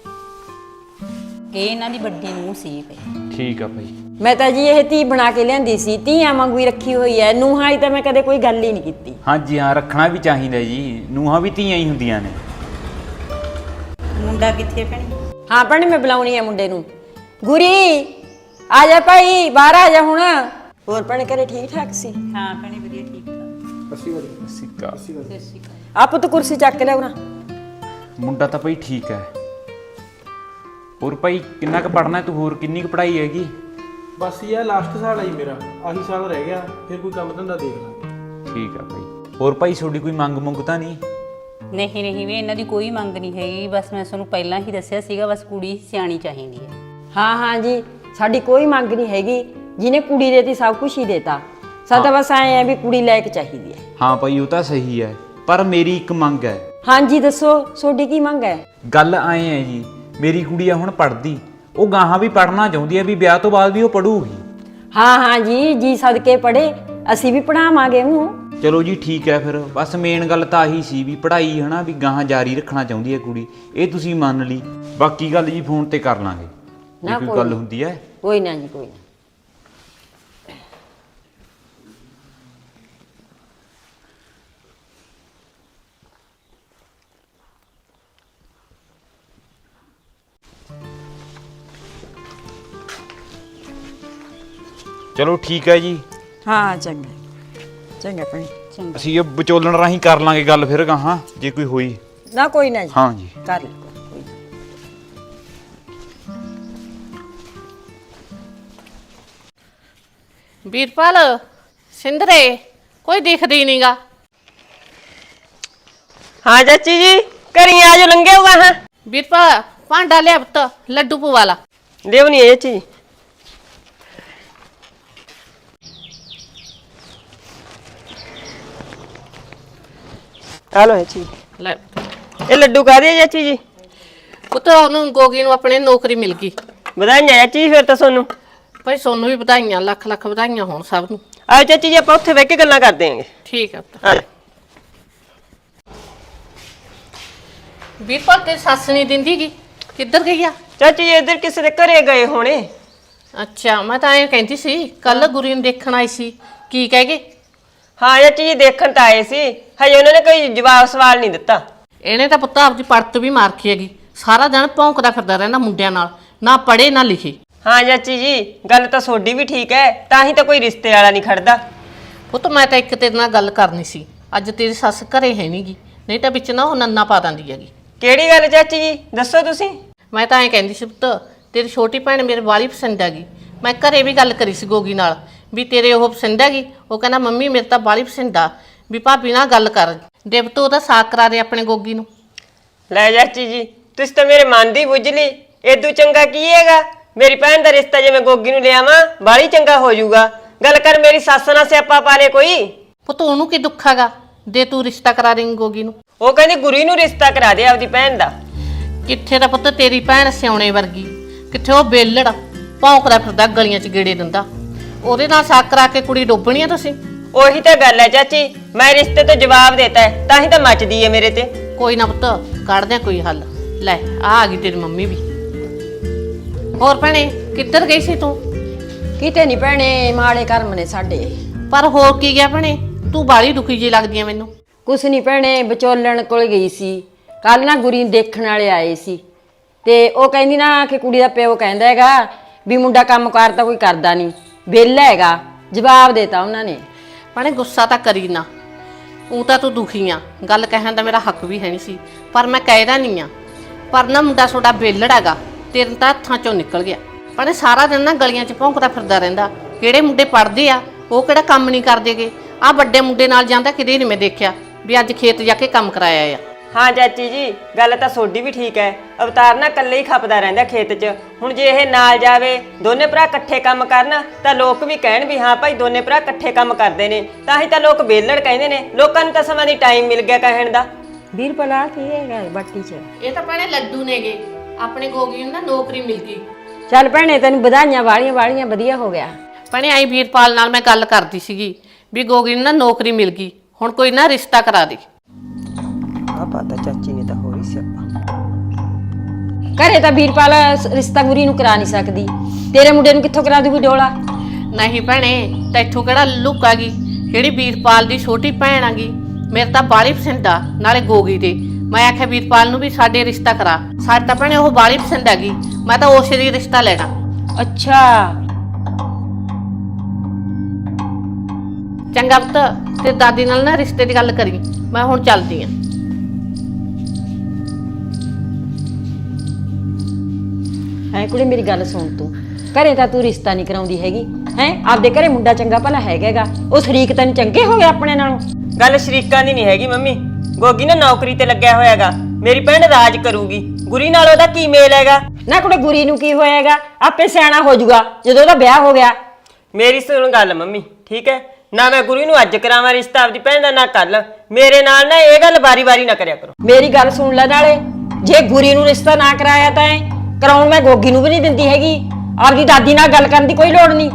S6: ਇਹ ਇਹਨਾਂ ਦੀ ਵੱਡੀ ਨੂੰਹ ਸੀ ਭਈ।
S4: ਠੀਕ ਆ ਭਾਈ।
S1: ਮੈਂ ਤਾਂ ਜੀ ਇਹ ਧੀ ਬਣਾ ਕੇ ਲਿਆਂਦੀ ਸੀ, ਧੀਆਂ ਵਾਂਗੂ ਹੀ ਰੱਖੀ ਹੋਈ ਹੈ। ਨੂੰਹਾਂ ਵਾਲੀ ਤਾਂ ਮੈਂ ਕਦੇ ਕੋਈ ਗੱਲ ਹੀ ਨਹੀਂ ਕੀਤੀ।
S7: ਹਾਂਜੀ ਹਾਂ, ਰੱਖਣਾ ਵੀ ਚਾਹੀਦਾ ਜੀ, ਨੂੰਹਾਂ ਵੀ ਧੀਆਂ ਹੀ ਹੁੰਦੀਆਂ ਨੇ।
S6: ਮੁੰਡਾ ਕਿੱਥੇ ਭੈਣੀ?
S1: ਹਾਂ ਭੈਣੇ, ਮੈਂ ਬੁਲਾਉਣੀ ਆ ਮੁੰਡੇ ਨੂੰ। ਗੁਰੀ ਆ ਜਾ ਭਾਈ ਬਾਹਰ ਆ ਜਾ ਹੁਣ। ਹੋਰ ਭੈਣੇ ਘਰੇ ਠੀਕ ਠਾਕ ਸੀ?
S6: ਹਾਂ ਭੈਣੇ ਵਧੀਆ ਠੀਕ ਠਾਕ।
S7: ਸਿੱਕਾ
S1: ਆ ਪੁੱਤ ਕੁਰਸੀ ਚੱਕ ਕੇ ਲਿਆਉਣਾ।
S7: ਮੁੰਡਾ ਤਾਂ ਭਾਈ ਠੀਕ ਹੈ। ਹੋਰ ਭਾਈ ਕਿੰਨਾ ਕੁ ਪੜਨਾ ਤੂੰ? ਹੋਰ ਕਿੰਨੀ ਕੁ ਪੜ੍ਹਾਈ ਹੈਗੀ?
S4: ਬਸ ਇਹ ਲਾਸਟ ਸਾਲ ਆ ਜੀ ਮੇਰਾ, ਆਹੀ ਸਾਲ ਰਹਿ ਗਿਆ, ਫਿਰ ਕੋਈ ਕੰਮ ਧੰਦਾ ਦੇਖ ਲਾਂਗੇ।
S7: ਠੀਕ ਆ ਭਾਈ। ਹੋਰ ਭਾਈ ਤੁਹਾਡੀ ਕੋਈ ਮੰਗ ਮੁੰਗ ਤਾਂ ਨਹੀਂ?
S6: ਨਹੀਂ ਨਹੀਂ ਵੀ ਇਹਨਾਂ ਦੀ ਕੋਈ ਮੰਗ ਨਹੀਂ ਹੈਗੀ, ਬਸ ਮੈਂ ਤੁਹਾਨੂੰ ਪਹਿਲਾਂ ਹੀ ਦੱਸਿਆ ਸੀਗਾ, ਬਸ ਕੁੜੀ ਸਿਆਣੀ ਚਾਹੀਦੀ ਹੈ।
S1: ਹਾਂ ਹਾਂ ਜੀ, ਸਾਡੀ ਕੋਈ ਮੰਗ ਨਹੀਂ ਹੈਗੀ, ਜਿਹਨੇ ਕੁੜੀ ਦੇਤੀ ਸਭ ਕੁਝ ਹੀ ਦੇਤਾ। ਸਾਡਾ ਬਸ ਐਂ ਆ ਵੀ ਕੁੜੀ ਲੈ ਕੇ ਚਾਹੀਦੀ ਹੈ।
S7: ਹਾਂ ਭਾਈ ਉਹ ਤਾਂ ਸਹੀ ਹੈ, ਪਰ ਮੇਰੀ ਇੱਕ ਮੰਗ ਹੈ।
S1: ਹਾਂਜੀ ਦੱਸੋ, ਤੁਹਾਡੀ ਕੀ ਮੰਗ ਹੈ?
S7: ਗੱਲ ਆਏ ਹੈ ਜੀ, ਮੇਰੀ ਕੁੜੀ ਆ ਹੁਣ ਪੜ੍ਹਦੀ, ਉਹ ਗਾਹਾਂ ਵੀ ਪੜ੍ਹਨਾ ਚਾਹੁੰਦੀ ਹੈ, ਵੀ ਵਿਆਹ ਤੋਂ ਬਾਅਦ ਵੀ ਉਹ ਪੜੂਗੀ।
S1: ਹਾਂ ਹਾਂ ਜੀ, ਜੀ ਸਦਕੇ ਪੜੇ, ਅਸੀਂ ਵੀ ਪੜਾਵਾਂਗੇ ਉਹਨੂੰ।
S7: ਚਲੋ ਜੀ ਠੀਕ ਹੈ ਫਿਰ। ਬਸ ਮੇਨ ਗੱਲ ਤਾਂ ਆਹੀ ਸੀ ਵੀ ਪੜ੍ਹਾਈ ਹਨਾ ਵੀ ਗਾਹਾਂ ਜਾਰੀ ਰੱਖਣਾ ਚਾਹੁੰਦੀ ਹੈ ਕੁੜੀ, ਇਹ ਤੁਸੀਂ ਮੰਨ ਲਈ। ਬਾਕੀ ਗੱਲ ਜੀ ਫੋਨ ਤੇ ਕਰ ਲਾਂਗੇ ਜੇ ਕੋਈ ਗੱਲ ਹੁੰਦੀ ਹੈ।
S1: ਕੋਈ ਨਾ ਜੀ, ਕੋਈ ਨਾ।
S7: ਚਲੋ ਠੀਕ ਹੈ ਜੀ।
S1: ਹਾਂ ਚੰਗਾ ਚੰਗਾ ਭੈਣੇ।
S7: ਅਸੀਂ ਇਹ ਵਿਚੋਲਣ ਰਾਹੀਂ ਕਰ ਲਾਂਗੇ ਗੱਲ ਫਿਰ ਗਾਹਾਂ ਜੇ ਕੋਈ ਹੋਈ।
S1: ਨਾ ਕੋਈ ਨਾ ਜੀ,
S7: ਹਾਂ ਜੀ
S1: ਕਰ ਲੈ ਕੋਈ ਨਾ।
S8: ਵੀਰਪਾਲ ਸਿੰਦਰੇ ਕੋਈ ਦਿਖਦਾ ਹੀ ਨਹੀਂਗਾ।
S3: ਹਾਂ ਚਾਚੀ ਜੀ, ਘਰੀ ਆ ਜੋ ਲੰਘੇ ਹੋਗਾ। ਹਾਂ
S8: ਵੀਰਪਾਲ ਭਾਂਡਾ ਲਿਆ ਪੁੱਤ, ਲੱਡੂ ਪਵਾ ਲਾ।
S3: ਦੇਵਨੀ ਹੈ ਚਾਚੀ। ਹਲੋ ਚਾਚੀ,
S8: ਲੈ
S3: ਇਹ ਲੱਡੂ ਕਾਹਦੇ ਆ ਚਾਚੀ ਜੀ?
S8: ਪੁੱਤ ਉਹਨੂੰ ਗੋਗੀ ਨੂੰ ਆਪਣੇ ਨੌਕਰੀ ਮਿਲ ਗਈ।
S3: ਵਧਾਈਆਂ ਚਾਚੀ ਫਿਰ ਤਾਂ ਤੁਹਾਨੂੰ।
S8: ਭਾਈ ਸੋਨੂੰ ਵੀ ਵਧਾਈਆਂ, ਲੱਖ ਲੱਖ ਵਧਾਈਆਂ ਹੋਣ ਸਭ ਨੂੰ।
S3: ਆਓ ਚਾਚੀ ਜੀ, ਆਪਾਂ ਉੱਥੇ ਬਹਿ ਕੇ ਗੱਲਾਂ ਕਰਦੇ ਆਂਗੇ।
S8: ਠੀਕ ਹੈ ਪੁੱਤ।
S3: ਆ ਜਾ।
S8: ਵੀਰਪਾਲ ਤੇ ਸੱਸ ਨਹੀਂ ਦਿੰਦੀ ਗੀ, ਕਿੱਧਰ ਗਈ ਆ?
S3: ਚਾਚੀ ਜੀ ਇੱਧਰ ਕਿਸੇ ਦੇ ਘਰੇ ਗਏ ਹੋਣੇ।
S8: ਅੱਛਾ, ਮੈਂ ਤਾਂ ਐਂ ਕਹਿੰਦੀ ਸੀ ਕੱਲ ਗੁਰੀ ਨੂੰ ਦੇਖਣ ਆਈ ਸੀ, ਕੀ ਕਹਿ ਗਏ?
S3: ਹਾਂ ਚਾਚੀ ਜੀ ਦੇਖਣ ਤਾਂ ਆਏ ਸੀ, ਹਜੇ ਉਹਨਾਂ ਨੇ ਕੋਈ ਜਵਾਬ ਸਵਾਲ ਨਹੀਂ ਦਿੱਤਾ।
S8: ਇਹਨੇ ਤਾਂ ਪੁੱਤ ਆਪਦੀ ਪੜਤ ਵੀ ਮਾਰ ਰੱਖੀ ਹੈਗੀ, ਸਾਰਾ ਦਿਨ ਭੌਂਕਦਾ ਫਿਰਦਾ ਰਹਿੰਦਾ ਮੁੰਡਿਆਂ ਨਾਲ, ਨਾ ਪੜ੍ਹੇ ਨਾ ਲਿਖੇ।
S3: ਹਾਂ ਚਾਚੀ ਜੀ, ਗੱਲ ਤਾਂ ਤੁਹਾਡੀ ਵੀ ਠੀਕ ਹੈ, ਤਾਂ ਹੀ ਤਾਂ ਕੋਈ ਰਿਸ਼ਤੇ ਵਾਲਾ ਨਹੀਂ ਖੜਦਾ।
S8: ਪੁੱਤ ਮੈਂ ਤਾਂ ਇੱਕ ਤੇਰੇ ਨਾਲ ਗੱਲ ਕਰਨੀ ਸੀ, ਅੱਜ ਤੇਰੀ ਸੱਸ ਘਰੇ ਹੈ ਨਹੀਂਗੀ, ਨਹੀਂ ਤਾਂ ਵਿੱਚ ਨਾ ਉਹ ਨੰਨਾ ਪਾ ਦਿੰਦੀ ਹੈਗੀ।
S3: ਕਿਹੜੀ ਗੱਲ ਚਾਚੀ ਜੀ, ਦੱਸੋ ਤੁਸੀਂ।
S8: ਮੈਂ ਤਾਂ ਐਂ ਕਹਿੰਦੀ ਸੀ ਪੁੱਤ, ਤੇਰੀ ਛੋਟੀ ਭੈਣ ਮੇਰੇ ਵਾਲੀ ਪਸੰਦ ਹੈਗੀ। ਮੈਂ ਘਰੇ ਵੀ ਗੱਲ ਕਰੀ ਸੀ ਗੋਗੀ ਨਾਲ ਵੀ ਤੇਰੇ ਉਹ ਪਸੰਦ ਹੈਗੀ। ਉਹ ਕਹਿੰਦਾ ਮੰਮੀ ਮੇਰੇ ਤਾਂ ਵਾਲੀ ਪਸੰਦ ਆ, ਵੀ ਭਾਬੀ ਨਾਲ ਗੱਲ ਕਰ ਦੇ ਪੁੱਤ, ਉਹਦਾ ਸਾਕ ਕਰਾ ਦੇ ਆਪਣੇ ਗੋਗੀ ਨੂੰ।
S3: ਲੈ ਚਾਚੀ ਜੀ, ਤੁਸੀਂ ਤਾਂ ਮੇਰੇ ਮਨ ਦੀ ਬੁੱਝ ਲਈ। ਏਦੂ ਚੰਗਾ ਕੀ ਹੈਗਾ, ਮੇਰੀ ਭੈਣ ਦਾ ਰਿਸ਼ਤਾ ਜੇ ਮੈਂ ਗੋਗੀ ਨੂੰ ਲਿਆਵਾਂ ਬਾਹਲੀ ਚੰਗਾ ਹੋ ਜਾਊਗਾ। ਗੱਲ ਕਰ ਮੇਰੀ ਸੱਸ ਨਾਲ ਸਿਆਪਾ ਪਾ ਲੇ ਕੋਈ।
S8: ਪੁੱਤ ਉਹਨੂੰ ਕੀ ਦੁੱਖ ਹੈਗਾ, ਦੇ ਤੂੰ ਰਿਸ਼ਤਾ ਕਰਾ ਦੇਂਗੀ ਗੋਗੀ ਨੂੰ।
S3: ਉਹ ਕਹਿੰਦੀ ਗੁਰੀ ਨੂੰ ਰਿਸ਼ਤਾ ਕਰਾ ਦੇ ਆਪਦੀ ਭੈਣ ਦਾ।
S8: ਕਿੱਥੇ ਦਾ ਪੁੱਤ ਤੇਰੀ ਭੈਣ ਸਿਆਉਣੇ ਵਰਗੀ, ਕਿੱਥੇ ਉਹ ਬੇਲੜ ਭੌਂਕਦਾ ਫਿਰਦਾ ਗਲੀਆਂ 'ਚ ਗੇੜੇ ਦਿੰਦਾ। ਉਹਦੇ ਨਾਲ ਸਾਕ ਕਰਾ ਕੇ ਕੁੜੀ ਡੋਬਣੀ ਆ ਤੁਸੀਂ।
S3: ਉਹੀ ਤਾਂ ਗੱਲ ਹੈ ਚਾਚੀ, ਮੈਂ ਰਿਸ਼ਤੇ ਤੋਂ ਜਵਾਬ ਦੇਤਾ ਹੈ, ਤਾਂ ਹੀ ਤਾਂ ਮੱਚਦੀ ਹੈ ਮੇਰੇ ਤੇ।
S8: ਕੋਈ ਨਾ ਪੁੱਤ ਕੱਢਦੇ ਕੋਈ ਹੱਲ। ਲੈ ਆ ਗਈ ਤੇਰੀ ਮੰਮੀ ਵੀ। ਹੋਰ ਭੈਣੇ ਕਿੱਧਰ ਗਈ ਸੀ ਤੂੰ?
S1: ਕਿਤੇ ਨਹੀਂ ਭੈਣੇ, ਮਾੜੇ ਕਰਮ ਨੇ ਸਾਡੇ।
S8: ਪਰ ਹੋਰ ਕੀ ਗਿਆ ਭੈਣੇ, ਤੂੰ ਬਾਹਲੀ ਦੁਖੀ ਜੀ ਲੱਗਦੀ ਆ ਮੈਨੂੰ।
S1: ਕੁਛ ਨਹੀਂ ਭੈਣੇ, ਵਿਚੋਲਣ ਕੋਲ ਗਈ ਸੀ ਕੱਲ ਨਾ, ਗੁਰੀ ਨੂੰ ਦੇਖਣ ਵਾਲੇ ਆਏ ਸੀ, ਤੇ ਉਹ ਕਹਿੰਦੀ ਨਾ ਕਿ ਕੁੜੀ ਦਾ ਪਿਓ ਕਹਿੰਦਾ ਹੈਗਾ ਵੀ ਮੁੰਡਾ ਕੰਮ ਕਾਰ ਤਾਂ ਕੋਈ ਕਰਦਾ ਨਹੀਂ, ਵਿਹਲਾ ਹੈਗਾ। ਜਵਾਬ ਦੇਤਾ ਉਹਨਾਂ ਨੇ।
S8: ਭੈਣੇ ਗੁੱਸਾ ਤਾਂ ਕਰੀ ਨਾ, ਉਹ ਤਾਂ ਤੂੰ ਦੁਖੀ ਆ, ਗੱਲ ਕਹਿਣ ਦਾ ਮੇਰਾ ਹੱਕ ਵੀ ਹੈ ਨਹੀਂ ਸੀ, ਪਰ ਮੈਂ ਕਹਿਦਾ ਨਹੀਂ ਆ। ਪਰ ਨਾ ਮੁੰਡਾ ਤੁਹਾਡਾ ਵਿਹਲੜ ਹੈਗਾ, ਤੇਰੇ ਤਾਂ ਹੱਥਾਂ ਚੋਂ ਨਿਕਲ ਗਿਆ। ਭੈਣੇ ਸਾਰਾ ਦਿਨ ਨਾ ਗਲੀਆਂ 'ਚ ਭੌਂਕਦਾ ਫਿਰਦਾ ਰਹਿੰਦਾ। ਕਿਹੜੇ ਮੁੰਡੇ ਪੜ੍ਹਦੇ ਆ ਉਹ ਕਿਹੜਾ ਕੰਮ ਨਹੀਂ ਕਰਦੇਗੇ? ਆਹ ਵੱਡੇ ਮੁੰਡੇ ਨਾਲ ਜਾਂਦਾ ਕਿਤੇ ਨਹੀਂ ਮੈਂ ਦੇਖਿਆ ਵੀ ਅੱਜ ਖੇਤ ਜਾ ਕੇ ਕੰਮ ਕਰਾਇਆ ਆ।
S3: ਹਾਂ ਚਾਚੀ ਜੀ, ਗੱਲ ਤਾਂ ਤੁਹਾਡੀ ਵੀ ਠੀਕ ਹੈ। ਅਵਤਾਰ ਨਾ ਇਕੱਲੇ ਹੀ ਖਪਦਾ ਰਹਿੰਦਾ ਖੇਤ 'ਚ। ਹੁਣ ਜੇ ਇਹ ਨਾਲ ਜਾਵੇ, ਦੋਨੇ ਭਰਾ ਇਕੱਠੇ ਕੰਮ ਕਰਨ, ਤਾਂ ਲੋਕ ਵੀ ਕਹਿਣ ਵੀ ਹਾਂ ਭਾਈ ਦੋਨੇ ਭਰਾ ਇਕੱਠੇ ਕੰਮ ਕਰਦੇ ਨੇ, ਤਾਂ ਹੀ ਤਾਂ ਲੋਕ ਵਿਹਲੜ ਕਹਿੰਦੇ ਨੇ। ਲੋਕਾਂ ਨੂੰ ਤਾਂ ਸਮਾਂ ਦੀ ਟਾਈਮ ਮਿਲ ਗਿਆ ਕਹਿਣ ਦਾ।
S1: ਵੀਰਪਾਲ ਕੀ ਹੈਗਾ ਬਾਟੀ 'ਚ?
S8: ਇਹ ਤਾਂ ਭੈਣੇ ਲੱਡੂ ਨੇਗੇ, ਆਪਣੇ ਗੋਗੀ ਨੂੰ ਨਾ ਨੌਕਰੀ ਮਿਲ ਗਈ।
S1: ਚੱਲ ਭੈਣੇ ਤੈਨੂੰ ਵਧਾਈਆਂ, ਵਾਲੀਆਂ ਵਾਲੀਆਂ, ਵਧੀਆ ਹੋ ਗਿਆ।
S8: ਭੈਣੇ ਆਈ ਵੀਰਪਾਲ ਨਾਲ ਮੈਂ ਗੱਲ ਕਰਦੀ ਸੀਗੀ ਵੀ ਗੋਗੀ ਨੂੰ ਨਾ ਨੌਕਰੀ ਮਿਲ ਗਈ, ਹੁਣ ਕੋਈ ਨਾ ਰਿਸ਼ਤਾ ਕਰਾ ਦੇ।
S3: ਆ ਪਤਾ ਚਾਚੀ ਨੇ ਤਾਂ ਹੋ ਰਹੀ ਸਿਆਪਾ।
S1: ਘਰੇ ਤਾਂ ਵੀਰਪਾਲ ਰਿਸ਼ਤਾ ਗੁਰੀ ਨੂੰ ਕਰਾ ਨਹੀਂ ਸਕਦੀ, ਤੇਰੇ ਮੁੰਡੇ ਨੂੰ ਕਿੱਥੋਂ ਕਰਾ ਦੂਗੀ ਡੋਲਾ?
S8: ਨਹੀਂ ਭੈਣੇ, ਤੈਥੋਂ ਕਿਹੜਾ ਲੁੱਕ ਆ ਗਈ, ਜਿਹੜੀ ਵੀਰਪਾਲ ਦੀ ਛੋਟੀ ਭੈਣ ਆ ਗਈ। ਮੇਰੇ ਤਾਂ ਬਾਲੀ ਪਸੰਦ ਆ, ਨਾਲੇ ਗੋਗੀ ਦੇ। ਮੈਂ ਆਖਿਆ ਵੀਰਪਾਲ ਨੂੰ ਵੀ ਸਾਡੇ ਰਿਸ਼ਤਾ ਕਰਾ। ਸਾਡੇ ਤਾਂ ਭੈਣੇ ਉਹ ਬਾਲੀ ਪਸੰਦ ਆ ਗਈ, ਮੈਂ ਤਾਂ ਉਸੇ ਦੀ ਰਿਸ਼ਤਾ ਲੈਣਾ।
S1: ਅੱਛਾ,
S8: ਚੰਗਾ ਪੁੱਤ ਤੇ ਦਾਦੀ ਨਾਲ ਨਾ ਰਿਸ਼ਤੇ ਦੀ ਗੱਲ ਕਰੀ, ਮੈਂ ਹੁਣ ਚੱਲਦੀ ਆਂ।
S1: ਹੈ ਕੁੜੇ ਮੇਰੀ ਗੱਲ ਸੁਣ ਤੂੰ, ਘਰੇ ਤਾਂ ਤੂੰ ਰਿਸ਼ਤਾ ਨਹੀਂ ਕਰਾਉਂਦੀ ਹੈਗੀ ਹੈ। ਆਪਦੇ ਘਰੇ ਮੁੰਡਾ ਚੰਗਾ ਭਲਾ ਹੈਗਾਗਾ, ਉਹ ਸ਼ਰੀਕ ਤੈਨੂੰ ਚੰਗੇ ਹੋ ਗਏ ਆਪਣੇ ਨਾਲੋਂ।
S3: ਗੱਲ ਸ਼ਰੀਕਾਂ ਦੀ ਨਹੀਂ ਹੈਗੀ ਮੰਮੀ, ਗੋਗੀ ਨਾ ਨੌਕਰੀ ਤੇ ਲੱਗਿਆ ਹੋਇਆਗਾ, ਮੇਰੀ ਭੈਣ ਰਾਜ ਕਰੂਗੀ, ਗੁਰੀ ਨਾਲ ਉਹਦਾ ਕੀ ਮੇਲ ਹੈਗਾ?
S1: ਨਾ ਕੁੜੇ ਗੁਰੀ ਨੂੰ ਕੀ ਹੋਏਗਾ, ਆਪੇ ਸਿਆਣਾ ਹੋ ਜਾਊਗਾ ਜਦੋਂ ਉਹਦਾ ਵਿਆਹ ਹੋ ਗਿਆ।
S3: ਮੇਰੀ ਸੁਣ ਗੱਲ ਮੰਮੀ, ਠੀਕ ਹੈ ਨਾ? ਮੈਂ ਗੁਰੀ ਨੂੰ ਅੱਜ ਕਰਾਵਾਂ ਰਿਸ਼ਤਾ ਆਪਦੀ ਭੈਣ ਦਾ, ਨਾ ਕੱਲ। ਮੇਰੇ ਨਾਲ ਨਾ ਇਹ ਗੱਲ ਵਾਰੀ-ਵਾਰੀ ਨਾ ਕਰਿਆ ਕਰੋ।
S1: ਮੇਰੀ ਗੱਲ ਸੁਣ ਲੈ, ਨਾਲੇ ਜੇ ਗੁਰੀ ਨੂੰ ਰਿਸ਼ਤਾ ਨਾ ਕਰਾਇਆ ਤਾਂ ਕਰਾਉਣ ਮੈਂ ਗੋਗੀ ਨੂੰ ਵੀ ਨਹੀਂ ਦਿੰਦੀ ਹੈਗੀ। ਆਪਦੀ ਦਾਦੀ ਨਾਲ ਗੱਲ ਕਰਨ ਦੀ ਕੋਈ ਲੋੜ ਨਹੀਂ।